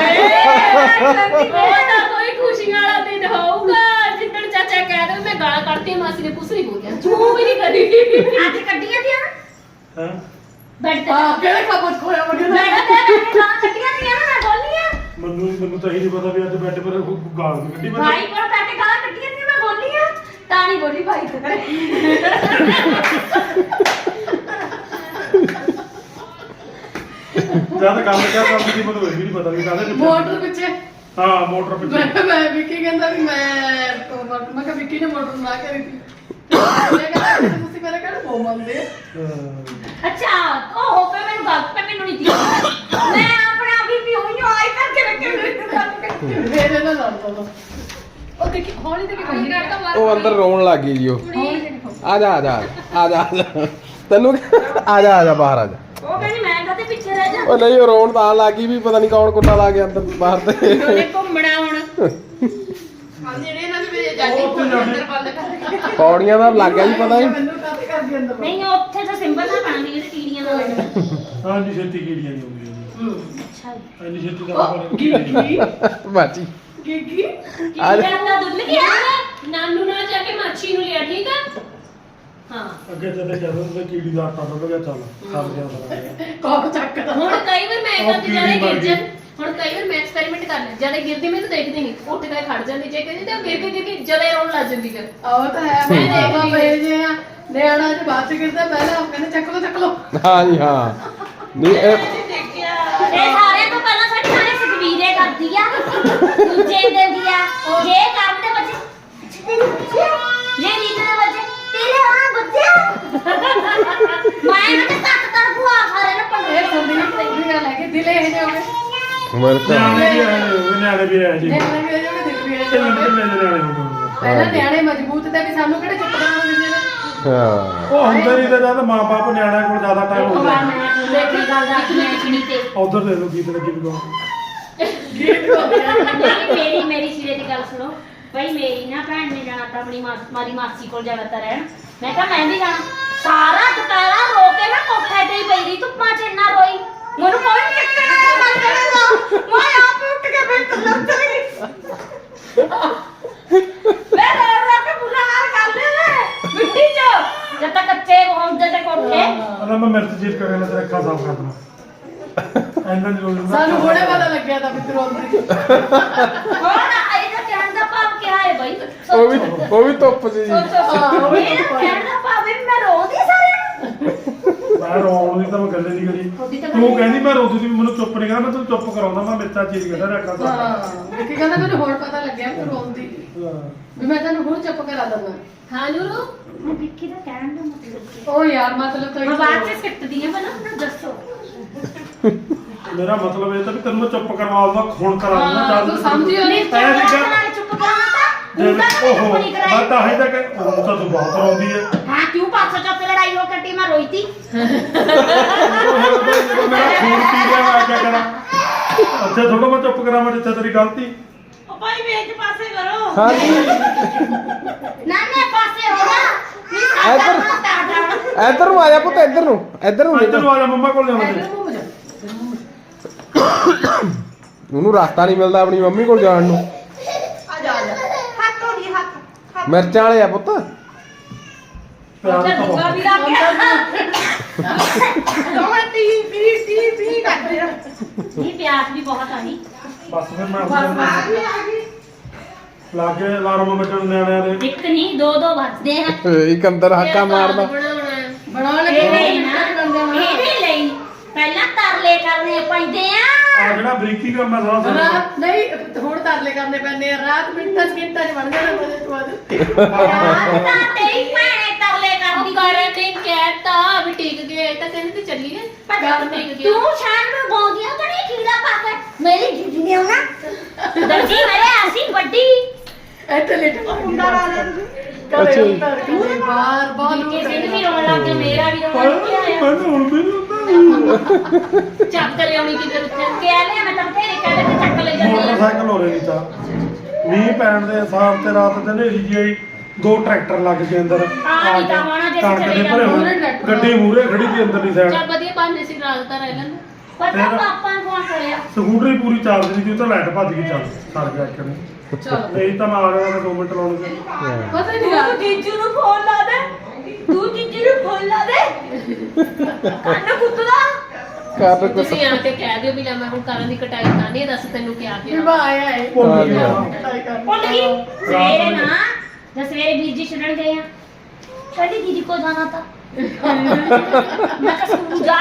D: ਉਹ ਤਾਂ ਕੋਈ ਖੁਸ਼ੀ ਵਾਲਾ ਦਿਨ ਹੋਊਗਾ ਜਿੱਦਣ ਚਾਚਾ ਕਹਿ ਦੇ ਮੈਂ ਗਾਲਾਂ ਕੱਢਦੀ ਹਾਂ, ਮਾਸੀ ਨੇ ਕੁਛ ਨਹੀਂ ਬੋਲਿਆ ਚੂ ਵੀ ਨਹੀਂ ਕਰੀ
C: ਅੱਜ ਕੱਢੀਆਂ ਦੀਆਂ
A: ਹਾਂ
C: ਬੈਠ ਤੇ
D: ਕਿਹੜੇ ਖਬਰ ਖੋਇਆ
C: ਬੈਠ ਤੇ ਗਾਲਾਂ ਕੱਢੀਆਂ ਦੀਆਂ ਨਾ ਮੈਂ ਬੋਲੀਆਂ
A: ਮੈਨੂੰ ਤਾਂ ਇਹ ਨਹੀਂ ਪਤਾ ਵੀ ਅੱਜ ਬੈੱਡ ਪਰ ਗਾਲ ਨਹੀਂ ਕੱਢੀ ਮੈਂ
C: ਭਾਈ ਕੋਲ ਬੈਠ ਕੇ ਗਾਲਾਂ ਕੱਢੀਆਂ ਦੀਆਂ ਮੈਂ ਬੋਲੀਆਂ ਤਾਂ ਨਹੀਂ ਬੋਲੀ ਭਾਈ ਤੇ
A: ਜਦ ਕੰਮ ਕਿਆ ਕਰਦੀ ਸੀ ਮੈਨੂੰ ਇਹ ਵੀ ਨਹੀਂ ਪਤਾ ਵੀ ਕਾਹਦੇ ਪਿੱਛੇ
D: ਮੋਟਰ ਪਿੱਛੇ
A: ਹਾਂ ਮੋਟਰ ਪਿੱਛੇ
D: ਮੈਂ ਵਿੱਕੀ ਕਹਿੰਦਾ ਵੀ ਮੈਂ ਕਿਹਾ ਵਿੱਕੀ ਨੇ ਮੋਟਰ ਨਾ ਕਰੀ ਸੀ ਮੈਂ ਕਹਿੰਦਾ ਤੁਸੀਂ ਮੇਰੇ ਘਰ ਪੋ ਮੰਨਦੇ
C: ਅੱਛਾ ਉਹ ਹੋ ਪੇ ਮੈਨੂੰ ਗੱਲ ਪੇ ਮੈਨੂੰ ਨਹੀਂ ਦਿੱਤੀ ਮੈਂ ਆਪਣੇ ਆਪ ਹੀ ਹੋਈ ਆਈ ਕਰਕੇ ਰੱਖੇ
D: ਮੇਰੇ ਨਾਲ ਲੜਦਾ ਤਾ। ਉਹ ਦੇਖੀ ਹੌਲੀ ਦੇਖੀ ਕੋਈ ਕਰਦਾ ਮਾਰ
B: ਉਹ ਅੰਦਰ ਰੋਣ ਲੱਗ ਗਈ ਜੀ ਉਹ ਆ ਜਾ ਆ ਜਾ ਆ ਜਾ ਆ ਜਾ ਤੈਨੂੰ ਆ ਜਾ ਬਾਹਰ ਆ ਜਾ
C: ਉਹ ਕਹਿੰਦੀ ਮੈਂ ਕਾਤੇ ਪਿੱਛੇ ਰਹਿ ਜਾ
B: ਉਹ ਨਹੀਂ ਉਹ ਰੋਣ ਤਾਂ ਲੱਗ ਗਈ ਵੀ ਪਤਾ ਨਹੀਂ ਕੌਣ ਕੁੱਤਾ ਲਾ ਗਿਆ ਅੰਦਰ ਬਾਹਰ ਤੇ
C: ਉਹਨੇ ਘੁੰਮਣਾ ਹੁਣ
D: ਜਿਹੜੇ ਇਹਨਾਂ ਦੇ ਮੇਰੇ ਜਾ ਕੇ ਅੰਦਰ ਬੰਦ ਕਰ
B: ਪੌੜੀਆਂ ਦਾ ਲੱਗ ਗਿਆ ਜੀ ਪਤਾ ਨਹੀਂ
D: ਮੈਨੂੰ ਕਾਤੇ ਕਰਦੀ ਅੰਦਰ
C: ਨਹੀਂ ਉੱਥੇ ਤਾਂ ਸਿੰਬਲ ਨਾ ਪਾਣੀ ਜਿਹੜੇ ਕੀੜੀਆਂ ਦਾ ਲੱਗਦਾ
A: ਹਾਂ ਜੀ ਛੇਤੀ ਕੀੜੀਆਂ ਨਹੀਂ ਹੁੰਦੀਆਂ
C: ਅੱਛਾ ਜੀ
A: ਇੰਨੀ ਛੇਤੀ ਦਾ
D: ਕੀ
B: ਬਾਜੀ
D: ਕੀ
B: ਆ ਜਾ।
C: ਕੀੜੀਆਂ ਦਾ ਦੁੱਧ ਗਿਆ
D: ਨਾਨੂ ਨਾਲ ਜਾ ਕੇ ਮਾਛੀ ਨੂੰ ਲਿਆ ਠੀਕ ਆ ਹਾਂ
A: ਅੱਗੇ ਜਦੋਂ ਕਹਿੰਦੇ ਹੁੰਦੇ ਕੀੜੀ ਦਾ ਆਟਾ ਡੁੱਲ ਗਿਆ ਚੱਲ ਸਰ ਗਿਆ ਸਾਰਾ
E: ਕੋਕ ਚੱਕਦਾ
D: ਹੁਣ ਕਈ ਵਾਰ ਮੈਂ
A: ਉਹ
D: ਕਰਦੀ ਜਾਣੇ
A: ਕੀੜੀ ਮਰ ਗਈ।
D: ਗਿਰਜਨ ਹੁਣ ਕਈ ਵਾਰ ਮੈਂ ਐਕਸਪੈਰੀਮੈਂਟ ਕਰ ਲਈ ਜਦ ਇਹ ਗਿਰਦੀ ਮੈਨੂੰ ਦੇਖਦੀ ਨਹੀਂ ਉੱਠ ਕੇ ਖੜ ਜਾਂਦੀ ਜੇ ਕਹਿੰਦੀ ਤੇ ਗਿਰ ਕੇ ਜਦ ਇਹ ਰੋਣ ਲੱਗ ਜਾਂਦੀ ਫਿਰ
E: ਉਹ ਤਾਂ ਹੈ ਮੈਂ ਦੇਖਾ ਪਏ ਜੇ ਆ ਨਿਆਣਾ ਚ ਬਾਅਦ ਚ ਗਿਰਦਾ ਪਹਿਲਾਂ ਉਹ ਕਹਿੰਦੇ ਚੱਕ ਲੋ
B: ਹਾਂ ਜੀ ਹਾਂ ਨਹੀਂ ਇਹ
C: ਇਹ ਸਾਰਿਆਂ ਤੋਂ ਪਹਿਲਾਂ ਸਾਡੀ ਸਾਰੇ ਸੁਖਵੀਰੇ ਕਰਦੀ ਆ ਦੂਜੇ ਦਿੰਦੀ ਆ ਜੇ ਕੰਮ ਦੇ ਬੱਚੇ ਜੇ ਰੀਤ ਦੇ ਬੱਚੇ ਤੇਰੇ ਆ ਬੱਚੇ ਮੈਂ ਨਾ ਤੱਕ ਤਰ ਭੂਆ ਸਾਰੇ ਨੇ
E: ਇਹ
C: ਪੰਗੇ
E: ਸੁਣਦੀ ਨਹੀਂ ਗੱਲ ਹੈ ਕਿ ਦਿਲ ਇਹ ਜਿਹੇ ਹੋਵੇ
B: ਵੈਲਕਮ
A: ਨਿਆਣੇ ਵੀ ਆਏ ਜੀ
E: ਨਿਆਣੇ ਵੀ ਇਹ ਜਿਹੇ ਦਿਲ ਵੀ ਇਹ ਜਿਹੇ
A: ਕਿੰਨੇ
E: ਹੋਵੇ।
A: ਕਿੰਨੇ ਨਿਆਣੇ ਹੋ ਗਏ
E: ਪਹਿਲਾਂ ਨਿਆਣੇ ਮਜ਼ਬੂਤ ਤੇ ਵੀ ਸਾਨੂੰ ਕਿਹੜੇ ਚੁੱਪ ਕਰਾਉਣ ਦਿੰਦੇ ਨੇ
B: ਹਾਂ
A: ਉਹ ਹੁੰਦੇ ਨਹੀਂ ਤੇ ਜਦ ਮਾਂ-ਬਾਪ ਨਿਆਣਿਆਂ ਕੋਲ ਜ਼ਿਆਦਾ ਟਾਈਮ
C: ਉਹ
A: ਹੁੰਦਾ
C: ਵਾਰ ਮੈਂ ਦੇਖੀ ਗੱਲ ਦਾ ਮੈਂ ਚਿਣੀ ਤੇ
A: ਉਧਰ ਦੇ ਲੋ ਗੀਤ ਲੱਗੀ ਵੀ
E: ਗੀਤ ਹੋ ਗਿਆ
C: ਮੇਰੀ ਸਿਰੇ ਦੀ ਗੱਲ ਸੁਣੋ ਭਾਈ ਮੇਰੀ ਨਾ ਭੈਣ ਨੇ ਜਾਣਾ ਤਾਂ ਆਪਣੀ ਮਾਰੀ ਮਾਸੀ ਕੋਲ ਜਾਣਾ ਤਾਂ ਰਹਿਣ ਮੈਂ ਕਿਹਾ ਮੈਂ ਵੀ ਜਾਣਾ ਸਾਰਾ ਦੁਪਹਿਰਾ ਰੋ ਕੇ ਨਾ ਕੋਠੇ ਤੇ ਹੀ ਪਈ ਰਹੀ ਧੁੱਪਾਂ 'ਚ ਇੰਨਾ ਰੋਈ ਮੈਨੂੰ ਕੋਈ ਚੱਕਰ ਨਹੀਂ ਲੱਗਦਾ ਮੈਂ ਆਪ ਉੱਠ ਕੇ ਫਿਰ ਕੱਲਰ ਚਲੀ ਗਈ ਮੈਂ ਰੋ ਕੇ ਬੁਰਾ ਹਾਲ ਕਰ ਲਿਆ ਮਿੱਟੀ 'ਚ ਜਦ ਤੱਕ ਕੱਚੇ ਹੁੰਦੇ ਤੇ ਕੋਠੇ
A: ਅਰੇ ਮੈਂ ਮਿਰਚ ਚੀਰ ਕੇ ਨਾ ਤੇਰਾ ਅੱਖਾਂ ਸਾਫ਼ ਕਰ ਦਣਾ ਐਂਦਾ ਨਹੀਂ ਰੋਣਾ
E: ਸਾਨੂੰ ਹੁਣੇ ਪਤਾ ਲੱਗਿਆ ਤਾਂ ਮਿੱਤਰੋ ਅੰਦਰ
C: ਹੋਰ ਇਹਦਾ ਕਹਿਣ ਦਾ ਭਾਵ ਕੀ ਹੈ ਬਈ
B: ਉਹ ਵੀ ਧੁੱਪ 'ਚ ਜੀ
C: ਇਹਦਾ ਕਹਿਣ ਦਾ ਭਾਵ ਵੀ ਮੈਂ ਰੋਂਦੀ ਸਾਰਿਆਂ ਨੂੰ
A: ਮੈਂ ਰੋਣ ਦੀ ਤਾਂ ਮੈਂ ਗੱਲੇ ਨਹੀਂ ਕਰੀ ਤੂੰ ਕਹਿੰਦੀ ਮੈਂ ਰੋਦੀ ਸੀ ਮੈਨੂੰ ਚੁੱਪ ਨਹੀਂ ਕਰਨਾ ਮੈਂ ਤੈਨੂੰ ਚੁੱਪ ਕਰਾਉਂਦਾ ਮੈਂ ਮਿਰਚਾਂ ਚੀਰ ਕੇ ਤੇਰਾ ਅੱਖਾਂ ਸਾਫ਼
E: ਹਾਂ ਕਿ ਕਹਿੰਦਾ ਮੈਨੂੰ ਹੁਣ ਪਤਾ ਲੱਗਿਆ ਕਿ ਰੋਂਦੀ ਵੀ ਮੈਂ ਤੈਨੂੰ ਹੁਣ ਚੁੱਪ ਕਰਾ ਦਵਾਂ
D: ਹਾਂ ਨੂਰੂ
C: ਹੁਣ ਵਿੱਕੀ ਦਾ ਕਹਿਣ ਦਾ ਮਤਲਬ ਕੀ ਹੈ
E: ਉਹ ਯਾਰ ਮਤਲਬ ਤਾਂ
C: ਮੈਂ ਬਾਅਦ ਚ ਸਿੱਟਦੀ ਆ ਪਹਿਲਾਂ ਮੈਨੂੰ ਦੱਸੋ
A: ਮੇਰਾ ਮਤਲਬ ਇਹ ਤਾਂ ਵੀ ਤੈਨੂੰ ਮੈਂ ਚੁੱਪ ਕਰਵਾਉਂਦਾ ਖੂਨ ਕਰਾਉਂਦਾ
E: ਹਾਂ, ਤੂੰ ਸਮਝਿਓ ਨਹੀਂ।
A: ਐ ਨਹੀਂ ਕਿ
C: ਨਾਲ ਚੁੱਪ ਕਰਾਉਣਾ ਤਾਂ
A: ਜੇ
C: ਤੂੰ ਤਾਂ
A: ਓਹੋ
C: ਚੁੱਪ ਨਹੀਂ
A: ਮੈਂ
C: ਕਰਾਈ
A: ਤਾਂ ਹੀ ਤਾਂ ਕਿ ਉਹ ਤਾਂ ਤੂੰ ਬਹੁਤ ਰੋਂਦੀ ਹੈ
C: ਹਾਂ ਕਿਉਂ 500 ਚੌਥੇ ਲੜਾਈ ਹੋ ਕੱਟੀ ਮੈਂ ਰੋਈ ਤੀ
A: ਜਦੋਂ ਮੇਰਾ ਖੂਨ ਪੀ ਗਿਆ ਮੈਂ ਕੀ ਕਰਾਂ ਅੱਛਾ ਥੋੜਾ ਮੈਂ ਚੁੱਪ ਕਰਾਵਾਂ ਜਿੱਥੇ ਤੇਰੀ ਗਲਤੀ
C: ਉਹ ਭਾਈ ਵੇਚ ਪਾਸੇ ਕਰੋ
B: ਹਾਂ ਜੀ
C: ਨਾ ਪਾਸੇ ਹੋ ਜਾ ਵੀ ਸਾਡਾ
B: ਇੱਧਰ।
C: ਸਟਾਰਟ
B: ਇੱਧਰ ਨੂੰ ਆ ਜਾ ਪੁੱਤ ਇੱਧਰ ਨੂੰ
A: ਇੱਧਰ
B: ਨਿਕਲ।
A: ਨੂੰ ਆ ਜਾ ਮੰਮਾ ਕੋਲ ਜਾਣਾ ਤੇ
E: ਘੁੰਮ ਜਾ
B: ਉਹਨੂੰ ਰਸਤਾ ਨਹੀਂ ਮਿਲਦਾ ਆਪਣੀ ਮੰਮੀ ਕੋਲ ਜਾਣ ਨੂੰ
E: ਆ ਜਾ
C: ਹੱਥ ਹੋ ਗਈ ਹੱਥ
B: ਮਿਰਚਾਂ ਵਾਲੇ ਆ ਪੁੱਤ
A: ਪਿਆਰ ਤਾਂ
C: ਦੂਆ
A: ਬਹੁਤ
C: ਵੀ ਲੱਗ ਗਿਆ ਇਹ ਪਿਆਸ ਵੀ ਬਹੁਤ ਆਈ
A: ਬਸ ਫਿਰ ਮੈਂ ਲਾਗੇ ਅਲਾਰਮ ਵੱਜਣ ਨਿਆਣਿਆਂ ਦੇ
C: ਇੱਕ ਨਹੀਂ ਦੋ ਦੋ ਵੱਜਦੇ ਆ
B: ਇੱਕ ਅੰਦਰ ਹਾਕਾ ਮਾਰਦਾ
E: ਬਣਾਉਣ ਲੱਗੇ
C: ਇਹਦੇ ਲਈ ਪਹਿਲਾਂ ਤਰਲੇ ਕਰਨੇ ਪੈਂਦੇ ਆ
A: ਆ ਜਿਹੜਾ ਬਰੀਕੀ ਕੰਮ ਹੈ ਸਾਰਾ ਸਾਰਾ
E: ਰਾਤ ਨਹੀਂ ਹੁਣ ਤਰਲੇ ਕਰਨੇ ਪੈਂਦੇ ਆ ਰਾਤ ਮਿੰਟਾਂ ਸਕਿੰਟਾਂ ਚ ਬਣ ਜਾਣਾ ਮਜ਼ੇ ਤੋਂ ਬਾਅਦ
C: ਰਾਤ ਤਾਂ ਤੇਰੀ ਭੈਣੇ ਤਰਲੇ ਕਰਦੀ
D: ਕਰਨ ਨੇ ਕਹਿਤਾ ਵੀ ਟਿਕ ਗਏ ਤਾਂ ਕਹਿੰਦੇ ਤੇ ਚੱਲੀਏ ਪਰ ਟਿਕ ਗਿਆ
C: ਤੂੰ ਸ਼ਾਮ ਨੂੰ ਬੋਲਦੀਆਂ ਬੜੀ ਕੀੜਾ ਪਾ ਕੇ ਮੇਰੀ ਜੁੱਜੀ ਨੇ ਹੋਣਾ ਦਰਜੀ ਮੇਰੇ ਆਸੀ ਵੱਡੀ
E: ਇੱਥੇ ਲੇਟ
C: ਕੁੰਡਾ ਲਾ ਲੈ
B: ਅੱਛਾ ਜੀ।
E: ਬਾਰ ਬਾਰ
C: ਕਿਸੇ ਨੂੰ ਵੀ ਰੋਣ ਲੱਗ ਗਿਆ ਮੇਰਾ ਵੀ ਰੋਣ ਲੱਗ ਗਿਆ
A: ਮੈਨੂੰ ਹੁਣ ਵੀ ਨਹੀਂ ਹੁੰਦਾ
D: ਚੱਕ ਲਿਆਉਣੀ ਕਿਤੇ ਉੱਥੇ
C: ਕਿਹਾ ਲਿਆ ਮੈਂ ਤਾਂ ਤੇਰੇ ਕਹਿੰਦੇ ਤੇ ਚੱਕ ਲੈ ਜਾਂਦੀ ਆ
A: ਮੋਟਰਸਾਈਕਲ ਹੋ ਰਹੀ ਤਾਂ ਮੀਂਹ ਪੈਣ ਦੇ ਹਿਸਾਬ ਤੇ ਰਾਤ ਤੇ ਹਨੇਰੀ ਜਿਹੀ ਆਈ 2 ਟਰੈਕਟਰ ਲੱਗ ਗਏ ਅੰਦਰ
C: ਨਹੀਂ ਤਾਂ ਹੋਣਾ ਜੇ
A: ਕਣਕ
C: ਚਲੇ
A: ਦੇ ਭਰੇ ਹੋਏ।
E: ਜਾਂਦੇ।
A: ਗੱਡੀ ਮੂਹਰੇ ਖੜੀ ਸੀ ਅੰਦਰਲੀ ਸਾਈਡ
D: ਚੱਲ ਵਧੀਆ ਬਾਨੇ ਸੀ ਰਾਤ ਤਾਂ ਰਹਿ ਲੈਣ
C: ਪਤਾ ਪਾਪਾ ਨੂੰ ਫੋਨ ਕਰਿਆ
A: ਸਕੂਟਰੀ ਪੂਰੀ ਚਾਰਜ ਨਹੀਂ ਸੀ ਉਹ ਤਾਂ ਲਾਈਟ ਭੱਜ ਗਈ ਚੱਲ ਸਰ ਗਿਆ ਇੱਕ ਨੇ
E: ਚਲੋ
A: ਨਹੀਂ ਤਾਂ ਮੈਂ ਆ ਗਿਆ 2 ਮਿੰਟ ਲਾਉਣੇ ਸੀ
E: ਪਤਾ ਹੀ ਨਹੀਂ ਯਾਰ
C: ਜੀਜੂ ਨੂੰ ਫੋਨ ਲਾ ਦੇ ਤੂੰ ਜੀਜੂ ਨੂੰ ਫੋਨ ਲਾ ਦੇ ਕੰਨ ਕੁੱਤਦਾ
B: ਕਰ ਕੁਛ
D: ਤੁਸੀਂ ਆ ਕੇ ਕਹਿ ਦਿਓ ਵੀ ਲੈ ਮੈਂ ਹੁਣ ਕਰਨ ਦੀ ਕਟਾਈ ਕਰਨੀ ਹੈ ਦੱਸ ਤੈਨੂੰ ਕਿਹਾ
E: ਵੀ
D: ਗਿਆ
E: ਬਾ ਆਇਆ ਹੈ
A: ਭੁੱਲ ਗਿਆ
C: ਭੁੱਲ ਗਈ ਸਵੇਰੇ ਨਾ ਜਦ ਸਵੇਰੇ ਵੀਰ ਜੀ ਛੱਡਣ ਗਏ ਆ ਕਹਿੰਦੀ ਦੀਦੀ ਕੋ ਜਾਣਾ ਤਾਂ ਮੈਂ ਕਿਹਾ ਸਕੂਲ ਜਾ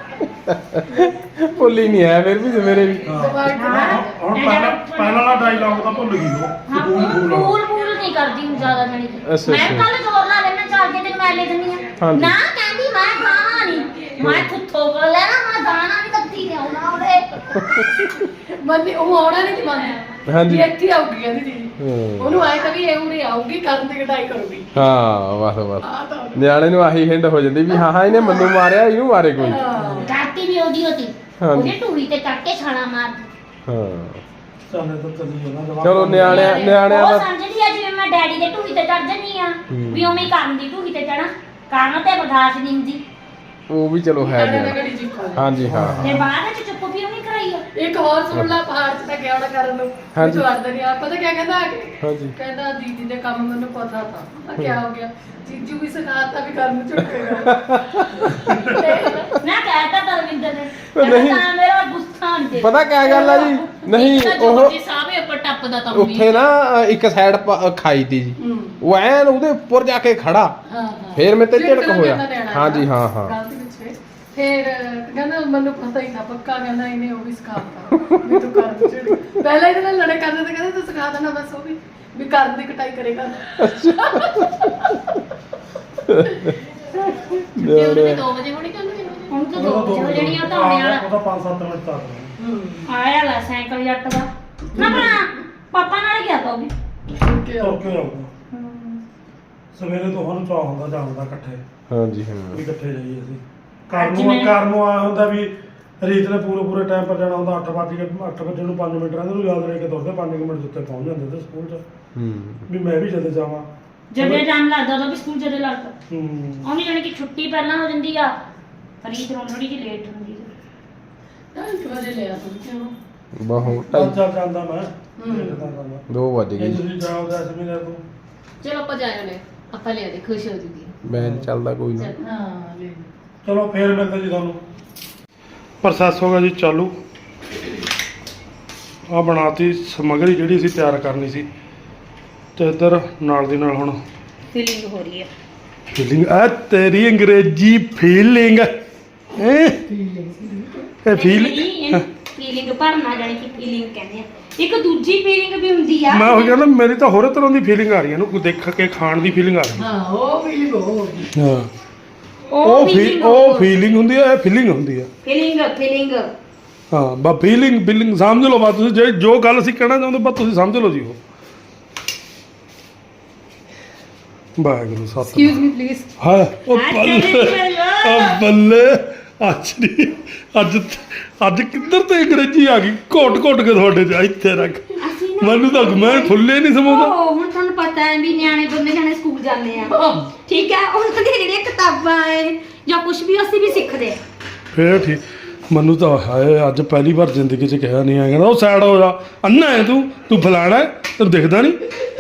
B: ਭੁੱਲੀ ਨਹੀਂ ਹੈ ਫਿਰ ਵੀ ਮੇਰੇ ਵੀ
A: ਹੁਣ ਪਹਿਲਾਂ ਵਾਲਾ ਡਾਇਲੌਗ ਤਾਂ ਭੁੱਲ ਗਈ ਉਹ
C: ਹਾਂ ਪੂਲ ਪੂਲ ਨਹੀਂ ਕਰਦੀ ਹੁਣ ਜ਼ਿਆਦਾ ਜਣੀ
B: ਅੱਛਾ,
C: ਮੈਂ
B: ਅੱਛਾ।
C: ਕੱਲ ਜ਼ੋਰ ਲਾ ਲੈਣਾ ਚੱਲ ਕੇ ਤੈਨੂੰ ਮੈਂ ਲੈ ਦਿੰਦੀ ਆ
B: ਹਾਂਜੀ।
C: ਨਾ ਕਹਿੰਦੀ ਮੈਂ ਖਾਣਾ ਨਹੀਂ ਮੈਂ ਖੁੱਥੋ ਕੋਲ ਲੈਣਾ ਮੈਂ ਦਾਣਾ ਨਹੀਂ ਕੱਤੀ ਤੇ ਆਉਣਾ ਉਹਦੇ
E: ਮੰਨੀ ਉਹ ਆਉਣਾ ਨਹੀਂ ਸੀ ਮੰਨਦਾ
B: ਹਾਂਜੀ।
E: ਵੀ ਇੱਥੇ ਆਊਗੀ ਕਹਿੰਦੀ ਦੀਦੀ
B: ਹੂੰ।
E: ਉਹਨੂੰ ਆਏ ਤਾਂ ਵੀ ਇਹ ਉਰੇ ਆਊਗੀ ਕਰਨ ਦੀ ਕਟਾਈ ਕਰੂਗੀ
B: ਹਾਂ ਬਸ ਬਸ
E: ਆ ਤਾਂ
B: ਨਿਆਣੇ ਨੂੰ ਆਹੀ ਹਿੰਡ ਹੋ ਜਾਂਦੀ ਵੀ ਹਾਂ ਹਾਂ ਇਹਨੇ ਮੈਨੂੰ ਮਾਰਿਆ ਇਹਨੂੰ ਮਾਰੇ ਕੋਈ
C: ਰਾਤੀ ਵੀ ਉਹਦੀ ਹੋਤੀ
B: ਹਾਂਜੀ।
C: ਉਹਨੇ ਟੂੜੀ ਤੇ ਕੱਟ ਕੇ ਛਾਣਾ ਮਾਰ
B: ਹਾਂ
A: ਚੱਲੇ ਤਾਂ ਚੱਲੀ ਜਾਣਾ ਜਵਾਬ
B: ਚਲੋ ਨਿਆਣਿਆਂ
C: ਉਹ
B: ਦਾ
C: ਸਮਝਦੀ ਆ ਜਿਵੇਂ ਮੈਂ ਡੈਡੀ ਦੇ ਟੂੜੀ ਤੇ ਚੜ ਜੰਨੀ ਆ ਵੀ ਉਵੇਂ ਹੀ ਕਰਨ ਦੀ ਟੂੜੀ ਤੇ ਚੜਾ ਕਰਨ ਤੇ ਬਰਦਾਸ਼ਤ ਨਹੀਂ ਹੁੰਦੀ
B: ਉਹ ਵੀ ਚਲੋ ਹੈ
E: ਨਿਆਣੇ
B: ਜੀ।
E: ਨਾਲ ਘੜੀ ਜਿੱਕੋ
B: ਹਾਂਜੀ ਹਾਂ
C: ਤੇ ਬਾਅਦ ਵਿੱਚ ਚੁੱਪ ਵੀ ਉਹਨੇ ਕਰਾਈ ਆ
E: ਇੱਕ ਹੋਰ ਸੁਣ ਲਾ ਪਹਾੜ 'ਚ ਤਾਂ ਗਿਆ ਹੋਣਾ ਕਰਨ ਨੂੰ
B: ਹਾਂਜੀ।
E: ਤੂੰ ਆਂਦਾ ਨਹੀਂ ਆ ਪਤਾ ਕਿਆ ਕਹਿੰਦਾ ਆ ਕੇ
B: ਹਾਂਜੀ
E: ਕਹਿੰਦਾ ਦੀਦੀ ਦੇ ਕੰਮ ਮੈਨੂੰ ਪਤਾ ਥਾ ਮੈਂ ਕਿਆ ਹੋ ਗਿਆ ਜੀਜੂ ਵੀ ਸਿਖਾਤਾ ਵੀ ਕਰਨ ਝੁਕੇਗਾ
C: ਨਾ ਕਹਿਤਾ ਤਰਵਿੰਦਰ ਨੇ
B: ਨਹੀਂ।
C: ਕਹਿੰਦਾ ਤਾਂ ਮੇਰਾ ਗੁੱਸਾ ਨਹੀਂ
B: ਪਤਾ ਕਿਆ ਗੱਲ ਆ ਜੀ ਨਹੀਂ ਉਹ
D: ਜੀ ਸਾਹਮਣੇ ਉੱਪਰ ਟੱਪਦਾ ਤਾਂ
B: ਉੱਥੇ ਨਾ ਇੱਕ ਸਾਈਡ ਖਾਈ ਤੀ ਜੀ ਉਹ ਐਨ ਉਹਦੇ ਉੱਪਰ ਜਾ ਕੇ ਖੜਾ
E: ਹਾਂ
B: ਫੇਰ ਮੇਰੇ ਤੇ ਝਿੜਕ
E: ਝਿੜਕਣ
B: ਹੋਇਆ
E: ਕਹਿੰਦਾ ਨਿਆਣਾ
B: ਹਾਂਜੀ ਹਾਂ ਹਾਂ
E: ਗਲਤੀ ਪਿੱਛੇ ਫਿਰ ਕਹਿੰਦਾ ਮੈਨੂੰ ਪਤਾ ਹੀ ਨਾ ਪੱਕਾ ਕਹਿੰਦਾ ਇਹਨੇ ਉਹ ਵੀ ਸਿਖਾਤਾ ਵੀ ਤੂੰ ਕਰ ਝਿੜਕ ਪਹਿਲਾਂ ਇਹਦੇ ਨਾਲ ਲੜੇ ਕਰਦੇ ਤੇ ਕਹਿੰਦਾ ਤੂੰ ਸਿਖਾ ਦੇਣਾ ਬਸ ਉਹ ਵੀ ਕਰਨ ਦੀ ਕਟਾਈ ਕਰੇਗਾ
D: ਛੁੱਟੀ ਉਹਨੇ 2 ਵਜੇ ਹੋਣੀ ਕਿ 9 ਵਜੇ
C: ਹੁਣ ਤਾਂ 2 ਵਜੇ ਹੋ ਜਾਣੀਆਂ ਤਾਂ ਆਉਣੇ ਵਾਲਾ
A: ਉਹਦਾ 5-7 ਮਿੰਟ ਤੱਕ
C: ਆਇਆ ਲਾ ਸਾਈਕਲ ਜੱਟ ਦਾ ਨਾ ਬਣਾ ਪਾਪਾ ਨਾਲ ਗਿਆ ਤਾ ਉਹ ਵੀ
A: ਤੁਰ ਕੇ ਆਉਂਦਾ ਸਵੇਰੇ ਤੋਂ ਸਾਨੂੰ ਚਾਹ ਹੁੰਦਾ ਜਾਣ ਦਾ ਇਕੱਠੇ
B: ਹਾਂਜੀ ਹਾਂ
A: ਵੀ ਇਕੱਠੇ ਜਾਈਏ ਅਸੀਂ
C: ਅੱਜ ਮੈਂ-
A: ਘਰ ਨੂੰ ਆਇਆ ਹੁੰਦਾ ਵੀ ਰੀਤ ਨੇ ਪੂਰੇ ਟਾਈਮ ਪਰ ਜਾਣਾ ਹੁੰਦਾ 8 ਵਜੇ ਨੂੰ 5 ਮਿੰਟ ਰਹਿੰਦੇ ਨੂੰ ਯਾਦ ਰਹਿ ਕੇ ਤੁਰਦੇ 5 ਮਿੰਟ ਉੱਤੇ ਪਹੁੰਚ ਜਾਂਦੇ ਤੇ ਸਕੂਲ 'ਚ ਵੀ ਮੈਂ ਵੀ ਜਦੇ ਜਾਵਾਂ
C: ਜਦੋਂ ਟਾਈਮ ਲੱਗਦਾ ਉਦੋਂ ਵੀ ਸਕੂਲ ਜਦੋਂ ਲੱਗਦਾ
A: ਹੂੰ
C: ਉਹਨੇ ਜਾਣੀ ਕਿ ਛੁੱਟੀ ਪਹਿਲਾਂ ਹੋ ਜਾਂਦੀ ਆ ਰੀਤ ਨੂੰ ਥੋੜੀ ਜਿਹੀ ਲੇਟ ਹੁੰਦੀ ਆ
E: 1 ਵਜੇ ਲਿਆ ਤੂੰ ਕਿਉਂ
B: ਬਹੁਤ
A: ਚੱਲ ਜਾਂਦਾ ਮੈਂ ਦੇਖਦਾ ਜਾਂਦਾ
B: 2 ਵੱਜ
A: ਜੇ
B: ਗਏ
A: ਤੁਸੀਂ ਜਾਓ ਤਾਂ ਅਸੀਂ ਵੀ ਲੈ ਤੂੰ
D: ਚਲੋ ਆਪਾਂ ਜਾਇਓ ਨੇ ਆਪਾਂ ਲਿਆ ਦੇ ਖੁਸ਼ ਹੋ ਜੂਗੀ
B: ਬੈਨ ਚੱਲਦਾ ਕੋਈ ਨਾ
E: ਹਾਂ ਲੈ
A: ਚਲੋ ਫੇਰ ਮਿਲਦੇ ਜੀ ਤੁਹਾਨੂੰ ਪ੍ਰੋਸੈਸ ਹੋ ਗਿਆ ਜੀ ਚਾਲੂ ਆ ਬਣਾਤੀ ਸਮੱਗਰੀ ਜਿਹੜੀ ਸੀ ਤਿਆਰ ਕਰਨੀ ਸੀ ਤੇ ਇੱਧਰ ਨਾਲ ਦੀ ਨਾਲ ਹੁਣ
C: ਫੀਲਿੰਗ ਹੋ ਰਹੀ ਹੈ
A: ਫੀਲਿੰਗ ਆ ਤੇਰੀ ਅੰਗਰੇਜ਼ੀ ਫੀਲਿੰਗ ਇਹ
C: ਫੀਲਿੰਗ ਭਰਨਾ ਜਾਣੀ ਕਿ ਫੀਲਿੰਗ ਕਹਿੰਦੇ ਆ ਇੱਕ ਦੂਜੀ ਫੀਲਿੰਗ ਵੀ ਹੁੰਦੀ ਆ
A: ਮੈਂ ਉਹ ਕਹਿੰਦਾ ਮੇਰੀ ਤਾਂ ਹੋਰ ਤਰ੍ਹਾਂ ਦੀ ਫੀਲਿੰਗ ਆ ਰਹੀ ਹੈ ਇਹਨੂੰ ਦੇਖ ਕੇ ਖਾਣ ਦੀ ਫੀਲਿੰਗ ਆ ਰਹੀ
E: ਹਾਂ ਉਹ ਵੀ ਹੋ
A: ਹਾਂ
C: ਉਹ feeling
A: ਉਹ ਫੀਲਿੰਗ ਹੁੰਦੀ ਹੈ ਇਹ ਫੀਲਿੰਗ ਹੁੰਦੀ ਹੈ
C: ਫੀਲਿੰਗ
A: ਹਾਂ ਬਾ ਫੀਲਿੰਗ ਸਮਝ ਲਓ ਬਸ ਤੁਸੀਂ ਜੋ ਗੱਲ ਅਸੀਂ ਕਹਿਣਾ ਚਾਹੁੰਦੇ ਬਸ ਤੁਸੀਂ ਸਮਝ ਲਓ ਜੀ ਉਹ ਵਾਹਿਗੁਰੂ ਸਤਿ
E: ਐਕਸਕਿਊਜ਼ ਮੀ ਪਲੀਜ਼
A: ਹਾਂ ਉਹ ਬੱਲੇ ਅੱਜ ਨਹੀਂ ਅੱਜ ਕਿੱਧਰ ਤੇ ਅੰਗਰੇਜ਼ੀ ਆ ਗਈ ਘੋਟ ਕੇ ਤੁਹਾਡੇ ਚ ਇੱਥੇ ਰੱਖ ਮੈਨੂੰ ਤਾਂ ਮੈਂ ਫੁੱਲੇ ਨਹੀਂ ਸਮਾਉਂਦਾ
C: ਹੁਣ ਤੁਹਾਨੂੰ ਪਤਾ ਹੈ ਵੀ ਨਿਆਣੇ ਦੋਨੇ ਜਾਣੇ ਸਕੂਲ ਜਾਂਦੇ ਆ ਠੀਕ ਹੈ ਉਹਨਾਂ ਦੀਆਂ ਜਿਹੜੀਆਂ ਕਿਤਾਬਾਂ ਹੈ ਜਾਂ ਕੁਝ ਵੀ ਅਸੀਂ ਵੀ ਸਿੱਖਦੇ ਆ
A: ਫੇਰ ਠੀਕ ਮੈਨੂੰ ਤਾਂ ਹਾਏ ਅੱਜ ਪਹਿਲੀ ਵਾਰ ਜ਼ਿੰਦਗੀ 'ਚ ਕਿਹਾ ਨਹੀਂ ਆ ਕਹਿੰਦਾ ਉਹ ਸਾਈਡ ਹੋ ਜਾ ਅੰਨਾ ਹੈ ਤੂੰ ਫਲਾਣਾ ਹੈ, ਤੈਨੂੰ ਦਿਖਦਾ ਨਹੀਂ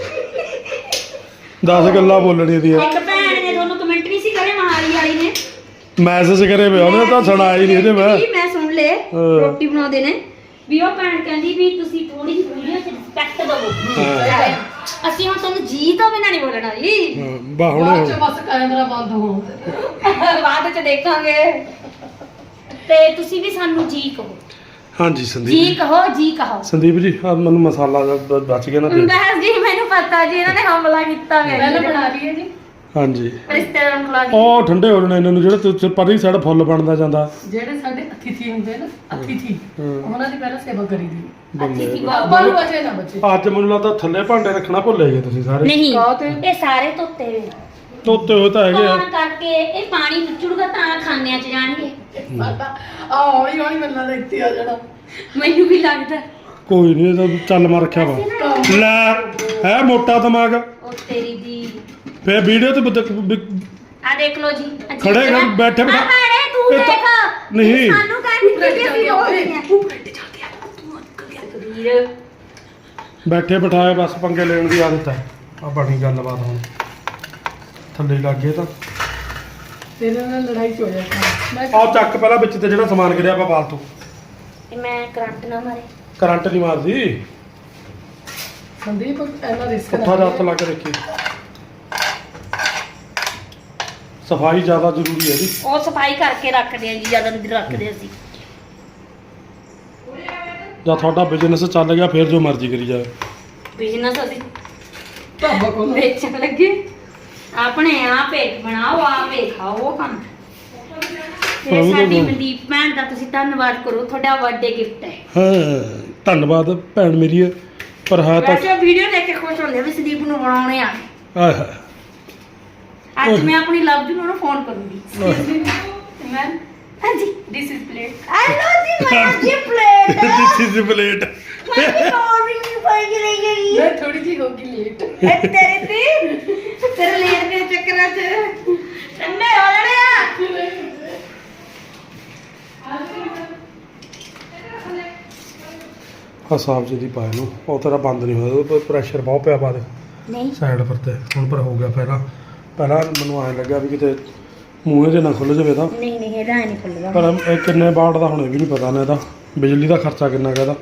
A: 10 ਗੱਲਾਂ ਬੋਲਣੀਆਂ ਦੀਆਂ
C: ਇੱਕ ਭੈਣ ਨੇ ਤੁਹਾਨੂੰ ਕਮੈਂਟ ਵੀ ਸੀ ਕਰੇ ਮਹਾਲੀ ਵਾਲੀ ਨੇ
A: ਮੈਸੇਜ ਕਰੇ ਵੇ ਉਹਨੇ ਤਾਂ ਸੁਣਾਇਆ ਹੀ ਨਹੀਂ ਇਹਦੇ
C: ਮੈਂ ਸੁਣ ਲਏ ਰੋਟੀ ਬਣਾਉਂਦੇ ਨੇ ਵੀ ਉਹ ਭੈਣ ਕਹਿੰਦੀ ਵੀ ਤੁਸੀਂ ਥੋੜੀ ਜਿਹੀ ਵੀਡੀਓ 'ਚ ਰਿਸਪੈਕਟ ਦਿਵੋ ਅਸੀਂ ਹੁਣ ਤੁਹਾਨੂੰ ਜੀ ਤੋਂ ਬਿਨਾਂ ਨਹੀਂ ਬੋਲਣਾ ਜੀ
A: ਬਾ
E: ਬਾਅਦ ਚ
A: ਹੁਣ
E: ਬਸ ਕੈਮਰਾ ਬੰਦ ਹੋਣ
C: ਬਾਅਦ 'ਚ ਦੇਖਾਂਗੇ ਤੇ ਤੁਸੀਂ ਵੀ ਸਾਨੂੰ ਜੀ ਕਹੋ
A: ਹਾਂਜੀ
C: ਜੀ
A: ਸੰਦੀਪ
C: ਕਹੋ
A: ਸੰਦੀਪ ਜੀ ਆ ਮੈਨੂੰ ਮਸਾਲਾ ਜਿਹਾ ਬਚ ਗਿਆ ਨਾ ਤੇ
C: ਬਸ ਜੀ ਮੈਨੂੰ ਪਤਾ ਜੀ ਇਹਨਾਂ ਨੇ ਹਮਲਾ ਕੀਤਾ
E: ਪਹਿਲਾਂ ਬਣਾ ਲਈਏ ਜੀ
A: ਹਾਂਜੀ
C: ਰਿਸ਼ਤੇਦਾਰਾਂ ਨੂੰ ਖਿਲਾ
A: ਉਹ ਠੰਡੇ ਹੋ ਜਾਣੇ ਇਹਨਾਂ ਨੂੰ ਜਿਹੜੇ ਤੁਸੀਂ ਪਰਲੀ ਸਾਈਡ ਫੁੱਲ ਬਣਦਾ ਜਾਂਦਾ
E: ਜਿਹੜੇ ਸਾਡੇ ਅਤਿਥੀ ਹੁੰਦੇ ਨਾ ਅਤਿਥੀ ਉਹਨਾਂ ਦੀ ਪਹਿਲਾਂ ਸੇਵਾ ਕਰੀਦੀ
A: ਬੰਦੇ
E: ਆਪਾਂ ਨੂੰ ਬਚੇ ਨਾ ਬੱਚੇ
A: ਅੱਜ ਮੈਨੂੰ ਲੱਗਦਾ ਥੱਲੇ ਭਾਂਡੇ ਰੱਖਣਾ ਭੁੱਲੇ ਗਏ ਤੁਸੀਂ ਸਾਰੇ
C: ਨਹੀਂ
E: ਕਾਹਤੇ?
C: ਇਹ ਸਾਰੇ ਧੋਤੇ ਹੋਏ
A: ਧੋਤੇ ਹੋਏ ਤਾਂ ਹੈਗੇ ਆ
C: ਕੌਣ ਕਰਕੇ ਇਹ ਪਾਣੀ ਨਿਚੜੂਗਾ ਤਾਂ ਖਾਨਿਆਂ 'ਚ ਜਾਣਗੇ
E: ਸਾਡਾ ਆ ਹੌਲੀ ਹੌਲੀ ਮਿਲਣਾ ਦਾ ਇੱਥੇ ਆ ਜਾਣਾ
C: ਮੈਨੂੰ ਵੀ ਲੱਗਦਾ
A: ਕੋਈ ਨਹੀਂ ਇਹਦਾ ਚੱਲ ਮਾਰ ਰੱਖਿਆ ਵਾ ਲੈ ਹੈ ਮੋਟਾ ਦਿਮਾਗ
C: ਉਹ ਤੇਰੀ ਦੀ
A: ਫੇਰ ਵੀਡੀਓ ਤੇ
C: ਆ ਦੇਖ ਲਓ ਜੀ
A: ਖੜੇ ਕਰ, ਬੈਠੇ ਬਿਠਾ-
C: ਆ ਭੈਣੇ ਤੂੰ
A: ਇਹ ਤਾਂ-
C: ਦੇਖ
A: ਨਹੀਂ।
C: ਸਾਨੂੰ ਕਹਿੰਦੀ ਕਿ ਅਸੀਂ ਹੋ ਗਏ ਵੀਰ
A: ਬੈਠੇ ਬਿਠਾਏ ਬਸ ਪੰਗੇ ਲੈਣ ਦੀ ਆਦਤ ਹੈ ਆ ਬਣੀ ਗੱਲਬਾਤ ਹੁਣ ਥੱਲੇ ਲੱਗ ਗਏ ਤਾਂ
E: ਤੇਰੇ ਨਾਲ ਲੜਾਈ ਚ ਹੋ ਜਾਣਾ ਮੈਂ
A: ਆਹ ਚੱਕ ਪਹਿਲਾਂ ਵਿੱਚ ਤੇ ਜਿਹੜਾ ਸਮਾਨ ਗਿਰਿਆ ਆਪਾਂ ਫਾਲਤੂ
C: ਇਹ ਮੈਂ ਕਰੰਟ ਨਾ ਮਾਰੇ
A: ਕਰੰਟ ਨਹੀਂ ਮਾਰਦੀ
E: ਸੰਦੀਪ ਇਹਨਾਂ ਰਿਸਕ
A: ਪੁੱਠਾ ਜਿਹਾ ਹੱਥ ਲਾ ਕੇ ਦੇਖੀ ਸਫਾਈ ਜ਼ਿਆਦਾ ਜ਼ਰੂਰੀ ਹੈ ਜੀ
C: ਉਹ ਸਫਾਈ ਕਰਕੇ ਰੱਖਦੇ ਆ ਜੀ ਜਿਆਦਾ ਨਹੀਂ ਰੱਖਦੇ ਅਸੀਂ
A: ਜਾਂ ਤੁਹਾਡਾ ਬਿਜ਼ਨਸ ਚੱਲ ਗਿਆ ਫਿਰ ਜੋ ਮਰਜ਼ੀ ਕਰੀ ਜਾਵੇ
C: ਬਿਜ਼ਨਸ ਅਸੀਂ
E: ਢਾਬਾ ਕੋਲ
C: ਵੇਚਣ ਲੱਗੇ ਆਪਣੇ ਆਪੇ ਬਣਾਓ ਆਪੇ ਖਾਓ ਕੰਮ ਤੇ ਸਾਡੀ ਮਨਦੀਪ ਭੈਣ ਦਾ ਤੁਸੀਂ ਧੰਨਵਾਦ ਕਰੋ ਤੁਹਾਡਾ ਬਰਥਡੇ ਗਿਫਟ ਹੈ
A: ਹਾਂ ਧੰਨਵਾਦ ਭੈਣ ਮੇਰੀ ਹੈ ਪਰ ਹੈ ਤਾਂ
C: ਵੈਸੇ ਵੀਡੀਓ ਦੇਖ ਕੇ ਖੁਸ਼ ਹੁੰਦੇ ਆ ਵੀ ਸੰਦੀਪ ਨੂੰ ਬਣਾਉਣੇ ਆ
A: ਆਏ ਹਾਏ
C: ਅੱਜ ਮੈਂ ਆਪਣੀ ਲਵ ਜੂ ਨੂੰ ਫੋਨ ਕਰੂੰਗੀ ਮੈਮ ਹਾਂਜੀ this is plate I know the my plate
A: this is plate
C: ਮੈਂ ਮੋਰਨਿੰਗ ਨੂੰ ਪਾਈ ਗਈ ਗਈ
E: ਮੈਂ ਥੋੜੀ ਜਿਹੀ ਹੋ ਗਈ ਲੇਟ
C: ਤੇਰੇ ਤੇਰੇ ਲੇਟ ਦੇ ਚੱਕਰਾਂ 'ਚ ਠੰਡੇ ਹੋ ਜਾਣੇ ਆ
A: ਆ ਸਾਫ ਜਿਹੀ ਪਾਏ ਨੂੰ ਉਹ ਤੇਰਾ ਬੰਦ ਨਹੀਂ ਹੋਇਆ ਉਹਦੇ ਪ੍ਰੈਸ਼ਰ ਬਹੁਤ ਪਿਆ ਬਾਅਦ
C: ਨਹੀਂ
A: ਸਾਈਡ ਪਰ ਤੇ ਹੁਣ ਪਰ ਹੋ ਗਿਆ ਪਹਿਲਾਂ ਮੈਨੂੰ ਐਂ ਲੱਗਾ ਵੀ ਕਿਤੇ ਮੂੰਹੇ ਜੇ ਨਾ ਖੁੱਲ ਜਾਵੇ ਤਾਂ
C: ਨਹੀਂ ਨਹੀਂ ਇਹਦਾ ਨਹੀਂ ਖੁੱਲਦਾ
A: ਪਰ ਇਹ ਕਿੰਨੇ ਵਾਟ ਦਾ ਹੁਣ ਇਹ ਵੀ ਨਹੀਂ ਪਤਾ ਨਾ ਇਹਦਾ ਬਿਜਲੀ ਦਾ ਖਰਚਾ ਕਿੰਨਾ ਕਹਦਾ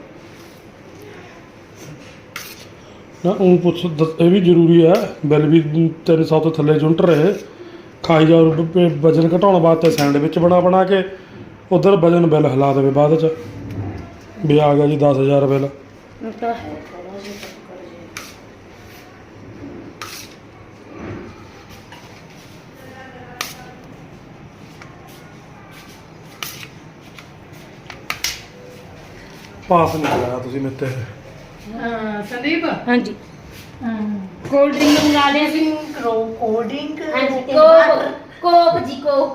A: ਨਾ ਉਹ ਪੁੱਛ ਇਹ ਵੀ ਜ਼ਰੂਰੀ ਹੈ ਬਿੱਲ ਵੀ 300 ਤੋਂ ਥੱਲੇ ਯੂਨਿਟ ਰਹੇ ਖਾਈ ਜਾ ਵਜਨ ਘਟਾਉਣ ਵਾਸਤੇ ਸੈਂਡਵਿਚ ਬਣਾ ਕੇ ਉਧਰ ਵਜਨ ਬਿੱਲ ਹਿਲਾ ਦੇਵੇ ਬਾਅਦ ਚ ਵੀ ਆ ਗਿਆ ਜੀ 10,000 ਬਿੱਲ
C: ਉਹ ਤਾਂ ਹੈ ਥੋੜਾ ਜਿਹਾ
A: ਪਾਸ ਨਹੀਂ ਕਰਾਇਆ ਤੁਸੀਂ ਮੇਤੇ
E: ਸੰਦੀਪ
C: ਹਾਂਜੀ
E: ਕੋਲਡ ਡਰਿੰਕ
C: ਮੰਗਾ ਲਿਆ ਸੀ
E: ਕੋਲਡ ਡਰਿੰਕ
C: ਹਾਂਜੀ ਕੋਕ ਜੀ ਕੋਕ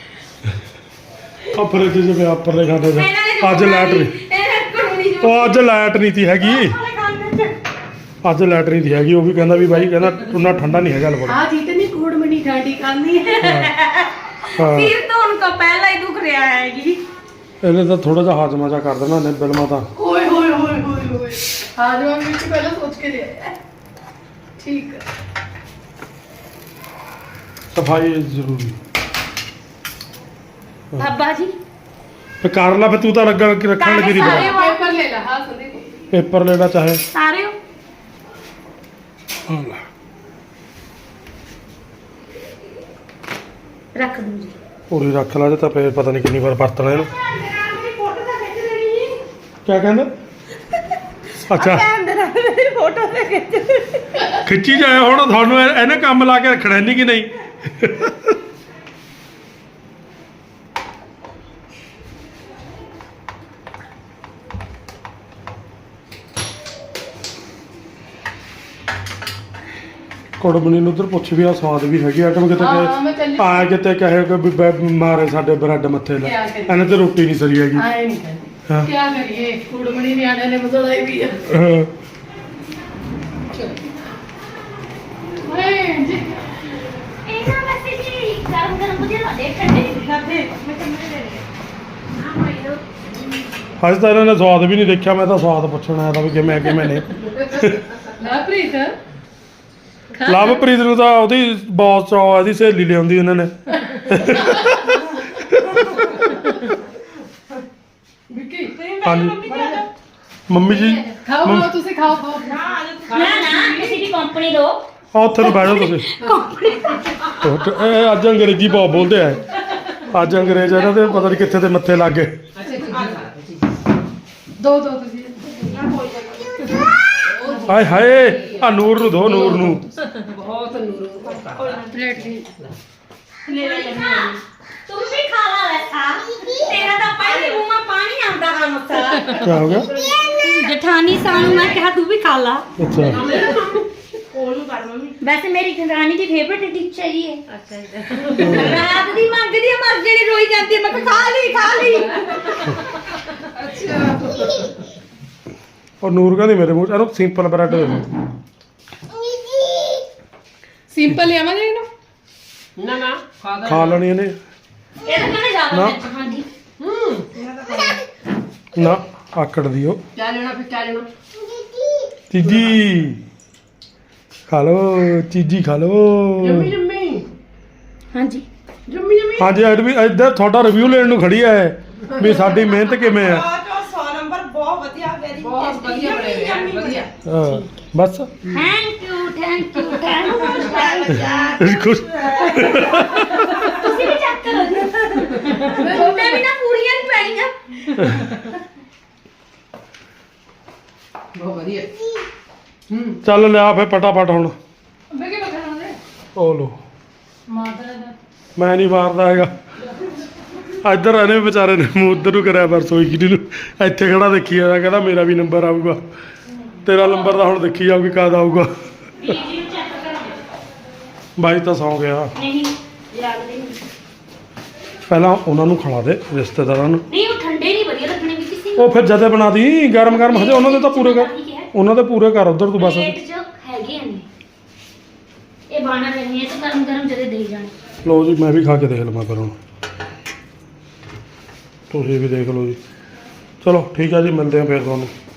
A: ਆ ਫਰਿੱਜ ਚ ਪਿਆ ਉੱਪਰ ਦੇ ਖਾਤੇ ਚ ਅੱਜ ਲਾਈਟ ਨਹੀਂ
C: ਇਹ ਕਰੂਣੀ
A: ਉਹ ਅੱਜ ਲਾਈਟ ਨਹੀਂ ਤੀ ਹੈਗੀ ਅੱਜ ਲਾਈਟ ਨਹੀਂ ਤੀ ਹੈਗੀ ਉਹ ਵੀ ਕਹਿੰਦਾ ਵੀ ਬਾਈ ਕਹਿੰਦਾ ਉਹਨਾਂ ਠੰਡਾ ਨਹੀਂ ਹੈਗਾ ਲਵੜ
E: हाँ जितनी गुड़ मनी ठंडी करनी है
A: ਹਾਂ
C: ਫਿਰ तो उनका पहला ही दुख रहा है जी
A: ਇਹਨੇ ਤਾਂ ਥੋੜਾ ਜਿਹਾ ਹਾਜ਼ਮਾ ਜਾ ਕਰ ਦੇਣਾ ਨੇ ਬਿਲਮਾ ਤਾਂ
E: ओए होए होए होए होए आज हम मिट्टी पहले सोच के ले आए ठीक है
A: ਸਫਾਈ ਜ਼ਰੂਰੀ
C: बाबा जी
A: ਫੇ ਕਰ ਲਾ ਫੇ ਤੂੰ ਤਾਂ ਲੱਗਾ ਕਿ ਰੱਖਣ ਲੱਗੀ ਦੀ
C: ਸਾਰੇ
A: ਬੜਾ
E: पेपर ले ला हाँ संदीप
A: ਪੇਪਰ ਲੈਣਾ ਚਾਹੇ
C: सारे हो
A: ਹਾਂ ਲੈ।
C: रख दूं जी
A: ਪੂਰੀ ਰੱਖ ਲਾ ਜੇ ਤਾਂ ਫੇਰ ਪਤਾ ਨਹੀਂ ਕਿੰਨੀ ਵਾਰ ਵਰਤਣਾ ਇਹਨੂੰ ਕਿਆ ਕਹਿੰਦਾ ਅੱਛਾ
C: फोटो से
A: ਖਿੱਚੀ ਜਾਏ ਹੁਣ ਤੁਹਾਨੂੰ ਇਹਨੇ ਕੰਮ ਲਾ ਕੇ ਰੱਖਣਾ ਨਹੀਂ ਕਿ ਨਹੀਂ ਕੁੜਮਣੀ ਨੂੰ ਉਧਰ ਪੁੱਛ ਵੀ ਆ ਸਵਾਦ ਵੀ ਹੈਗੀ ਆਟਮ ਕਿਤੇ
E: ਹਾਂ, ਮੈਂ ਚੱਲੀ।
A: ਆ ਕਿਤੇ ਕਹੇ ਕਿ ਵੀ ਮਾਰੇ ਸਾਡੇ ਬ੍ਰੈਡ ਮੱਥੇ ਲੈ
E: ਕਿਆ ਕਰੀਏ?
A: ਇਹਨੇ ਤੇ ਰੋਟੀ ਨਹੀਂ ਸਰੀ ਹੈਗੀ
E: आए नहीं करनी
A: हाँ।
E: क्या करिए गुड़ मनी नियाने ने बदलाई भी है
A: ਹਾਂ।
E: ओए जी
C: ਇਹਨਾਂ ਵੈਸੇ ਜੀ ਗਰਮ ਗਰਮ ਵਧੀਆ ਲੱਗਦੇ ਠੰਡੇ ਨਹੀਂ ਖਾਦੇ ਮੈਂ ਕਹਿੰਦਾ ਦੇ ਹਾਂ ਭਾਈ ਲੋ
A: ਅੱਜ ਤਾਂ ਇਹਨਾਂ ਨੇ ਸਵਾਦ ਵੀ ਨਹੀਂ ਦੇਖਿਆ ਮੈਂ ਤਾਂ ਸਵਾਦ ਪੁੱਛਣ ਆਇਆ ਤਾਂ ਵੀ ਕਿਵੇਂ ਨੇ
E: ना प्रीत
A: ਲਵਪ੍ਰੀਤ ਨੂੰ ਤਾਂ ਉਹਦੀ ਬੌਸ ਚੋ ਇਹਦੀ ਸਹੇਲੀ ਲਿਆਉਂਦੀ ਉਹਨਾਂ ਨੇ
E: विक्की
A: ਹਾਂਜੀ ਮੰਮੀ ਜੀ
E: खाओ खाओ तुसी खाओ खाओ
C: ਨਾ ਨਾ ਕਿਸੇ ਦੀ ਕੰਪਨੀ ਦੋ
A: ਆ ਉੱਥੇ ਨੂੰ ਬਹਿ ਜਾਓ ਤੁਸੀਂ ਇਹ ਅੱਜ ਅੰਗਰੇਜ਼ੀ ਬਹੁਤ ਬੋਲਦੇ ਆ ਅੱਜ ਅੰਗਰੇਜ਼ ਇਹਨਾਂ ਦੇ ਪਤਾ ਨਹੀਂ ਕਿੱਥੇ ਦੇ ਮੱਥੇ ਲੱਗ ਗਏ
E: दो दो तुसी
A: ਹਾਏ ਹਾਏ ਆ ਨੂਰ ਨੂੰ ਦੋ ਨੂਰ ਨੂੰ
E: प्लेट ली
C: ਲੈ ਲੈ ਤੂੰ ਵੀ ਖਾ ਲਾ ਵੈਸਾ ਤੇਰਾ ਤਾਂ ਪਹਿਲੇ ਮੂੰਹ ਮਾ ਪਾਣੀ ਆਉਂਦਾ ਹਾਂ ਮਸਾ
A: ਕੀ ਹੋ ਗਿਆ
C: ਜਠਾਨੀ ਸਾਨੂੰ ਮੈਂ ਕਿਹਾ ਤੂੰ ਵੀ ਖਾ ਲਾ
A: ਅੱਛਾ
C: ਉਹਨੂੰ ਕਰ ਮੰਮੀ ਵੈਸੇ ਮੇਰੀ ਜਠਾਨੀ ਦੀ ਫੇਵਰਟ ਡਿਸ਼ ਹੈ ਜੀ ਇਹ ਅੱਛਾ ਰਾਤ ਦੀ ਮੰਗਦੀ ਆ ਮਰ ਜਿਹੜੀ ਰੋਈ ਜਾਂਦੀ ਹੈ ਮੈਂ ਕਿਹਾ ਖਾ ਲਈ
A: ਉਹ ਨੂਰ ਕਹਿੰਦੀ ਮੇਰੇ ਮੂੰਹ ਚ ਇਹਨੂੰ ਸਿੰਪਲ ਬ੍ਰੈਡ ਦੇ ਦਿਓ
E: सिंपल लिया मैं ना
D: ਨਾ ਨਾ
A: ਖਾ ਲੈਣੀ ਇਹਨੇ
C: ਇਹ ਤਾਂ ਕਹਿੰਦੇ ਜ਼ਿਆਦਾ
A: ਨਾ।
C: ਮਿਰਚ ਖਾਂਦੀ
A: ਨਾ ਆਕੜ ਦਿਓ
E: क्या लेना फिर क्या लेना
A: ਚੀਜੀ ਖਾ ਲੋ ਚੀਜੀ ਖਾ ਲੋ
E: जम्मी
C: ਹਾਂਜੀ
E: जम्मी जम्मी
A: ਹਾਂਜੀ ਅੱਜ ਵੀ ਇੱਧਰ ਤੁਹਾਡਾ ਰਿਵਿਊ ਲੈਣ ਨੂੰ ਖੜੀ ਹੈ ਵੀ ਸਾਡੀ ਮਿਹਨਤ ਕਿਵੇਂ ਆ
E: बहुत बढ़िया बने हुए हैं बढ़िया
A: ਹਾਂ, ਬਸ
C: ਥੈਂਕ ਯੂ
A: ਖੁਸ਼
C: ਤੁਸੀਂ ਵੀ ਚੈੱਕ ਕਰੋ ਮੈਂ ਵੀ ਨਾ ਪੂਰੀਆਂ ਨਹੀਂ ਪੈਣੀਆਂ
E: बहुत बढ़िया
A: ਚੱਲ ਲਿਆ ਫੇ ਫਟਾਫਟ ਹੁਣ
E: मैं क्या बता रहा
A: ਉਹ ਲੋ
E: माता दा
A: ਮੈਂ ਨਹੀਂ ਮਾਰਦਾ ਹੈਗਾ ਇੱਧਰ ਇਹਨੇ ਵੀ ਵਿਚਾਰੇ ਨੇ ਮੂੰਹ ਉੱਧਰ ਨੂੰ ਕਰਿਆ ਪਰ ਸੋਈ ਕਿਹਦੀ ਨੂੰ ਇੱਥੇ ਖੜਾ ਦੇਖੀ ਜਾਂਦਾ ਕਹਿੰਦਾ ਮੇਰਾ ਵੀ ਨੰਬਰ ਆਊਗਾ ਤੇਰਾ ਨੰਬਰ ਤਾਂ ਹੁਣ ਦੇਖੀ ਜਾਊਗੀ ਕਦ ਆਊਗਾ
C: ਜੀ ਨੂੰ ਚੈੱਕ ਕਰੋ
A: ਬਾਈ ਤਾਂ ਸੌਂ ਗਿਆ
C: ਨਹੀਂ ਲੱਗਦੇ ਨਹੀਂ
A: ਪਹਿਲਾਂ ਉਹਨਾਂ ਨੂੰ ਖਿਲਾ ਦੇ ਰਿਸ਼ਤੇਦਾਰਾਂ ਨੂੰ
C: ਨਹੀਂ ਉਹ ਠੰਡੇ ਨਹੀਂ ਵਧੀਆ ਲੱਗਣੇ ਵੀ ਕਿਸੇ
A: ਉਹ ਫਿਰ ਜਦੇ ਬਣਾ ਦੀ ਗਰਮ ਗਰਮ ਹਜੇ ਉਹਨਾਂ ਦੇ ਤਾਂ ਪੂਰੇ ਕਰ ਉਹਨਾਂ ਦੇ ਪੂਰੇ ਕਰ ਉਧਰ ਤੂੰ ਬਸ
C: ਪਲੇਟ ਚ ਹੈਗੇ ਨੇ ਇਹ ਬਾਣਾ ਰਹੇ ਇਹ ਤਾਂ ਗਰਮ ਗਰਮ ਜਦੇ ਦੇ ਜਾਣੇ
A: ਲਓ ਜੀ ਮੈਂ ਵੀ ਖਾ ਕੇ ਦੇਖ ਲਵਾਂ ਫਿਰ ਹੁਣ ਤੁਸੀਂ ਵੀ ਦੇਖ ਲਓ ਜੀ ਚਲੋ ਠੀਕ ਆ ਜੀ ਮਿਲਦੇ ਆ ਫਿਰ ਤੁਹਾਨੂੰ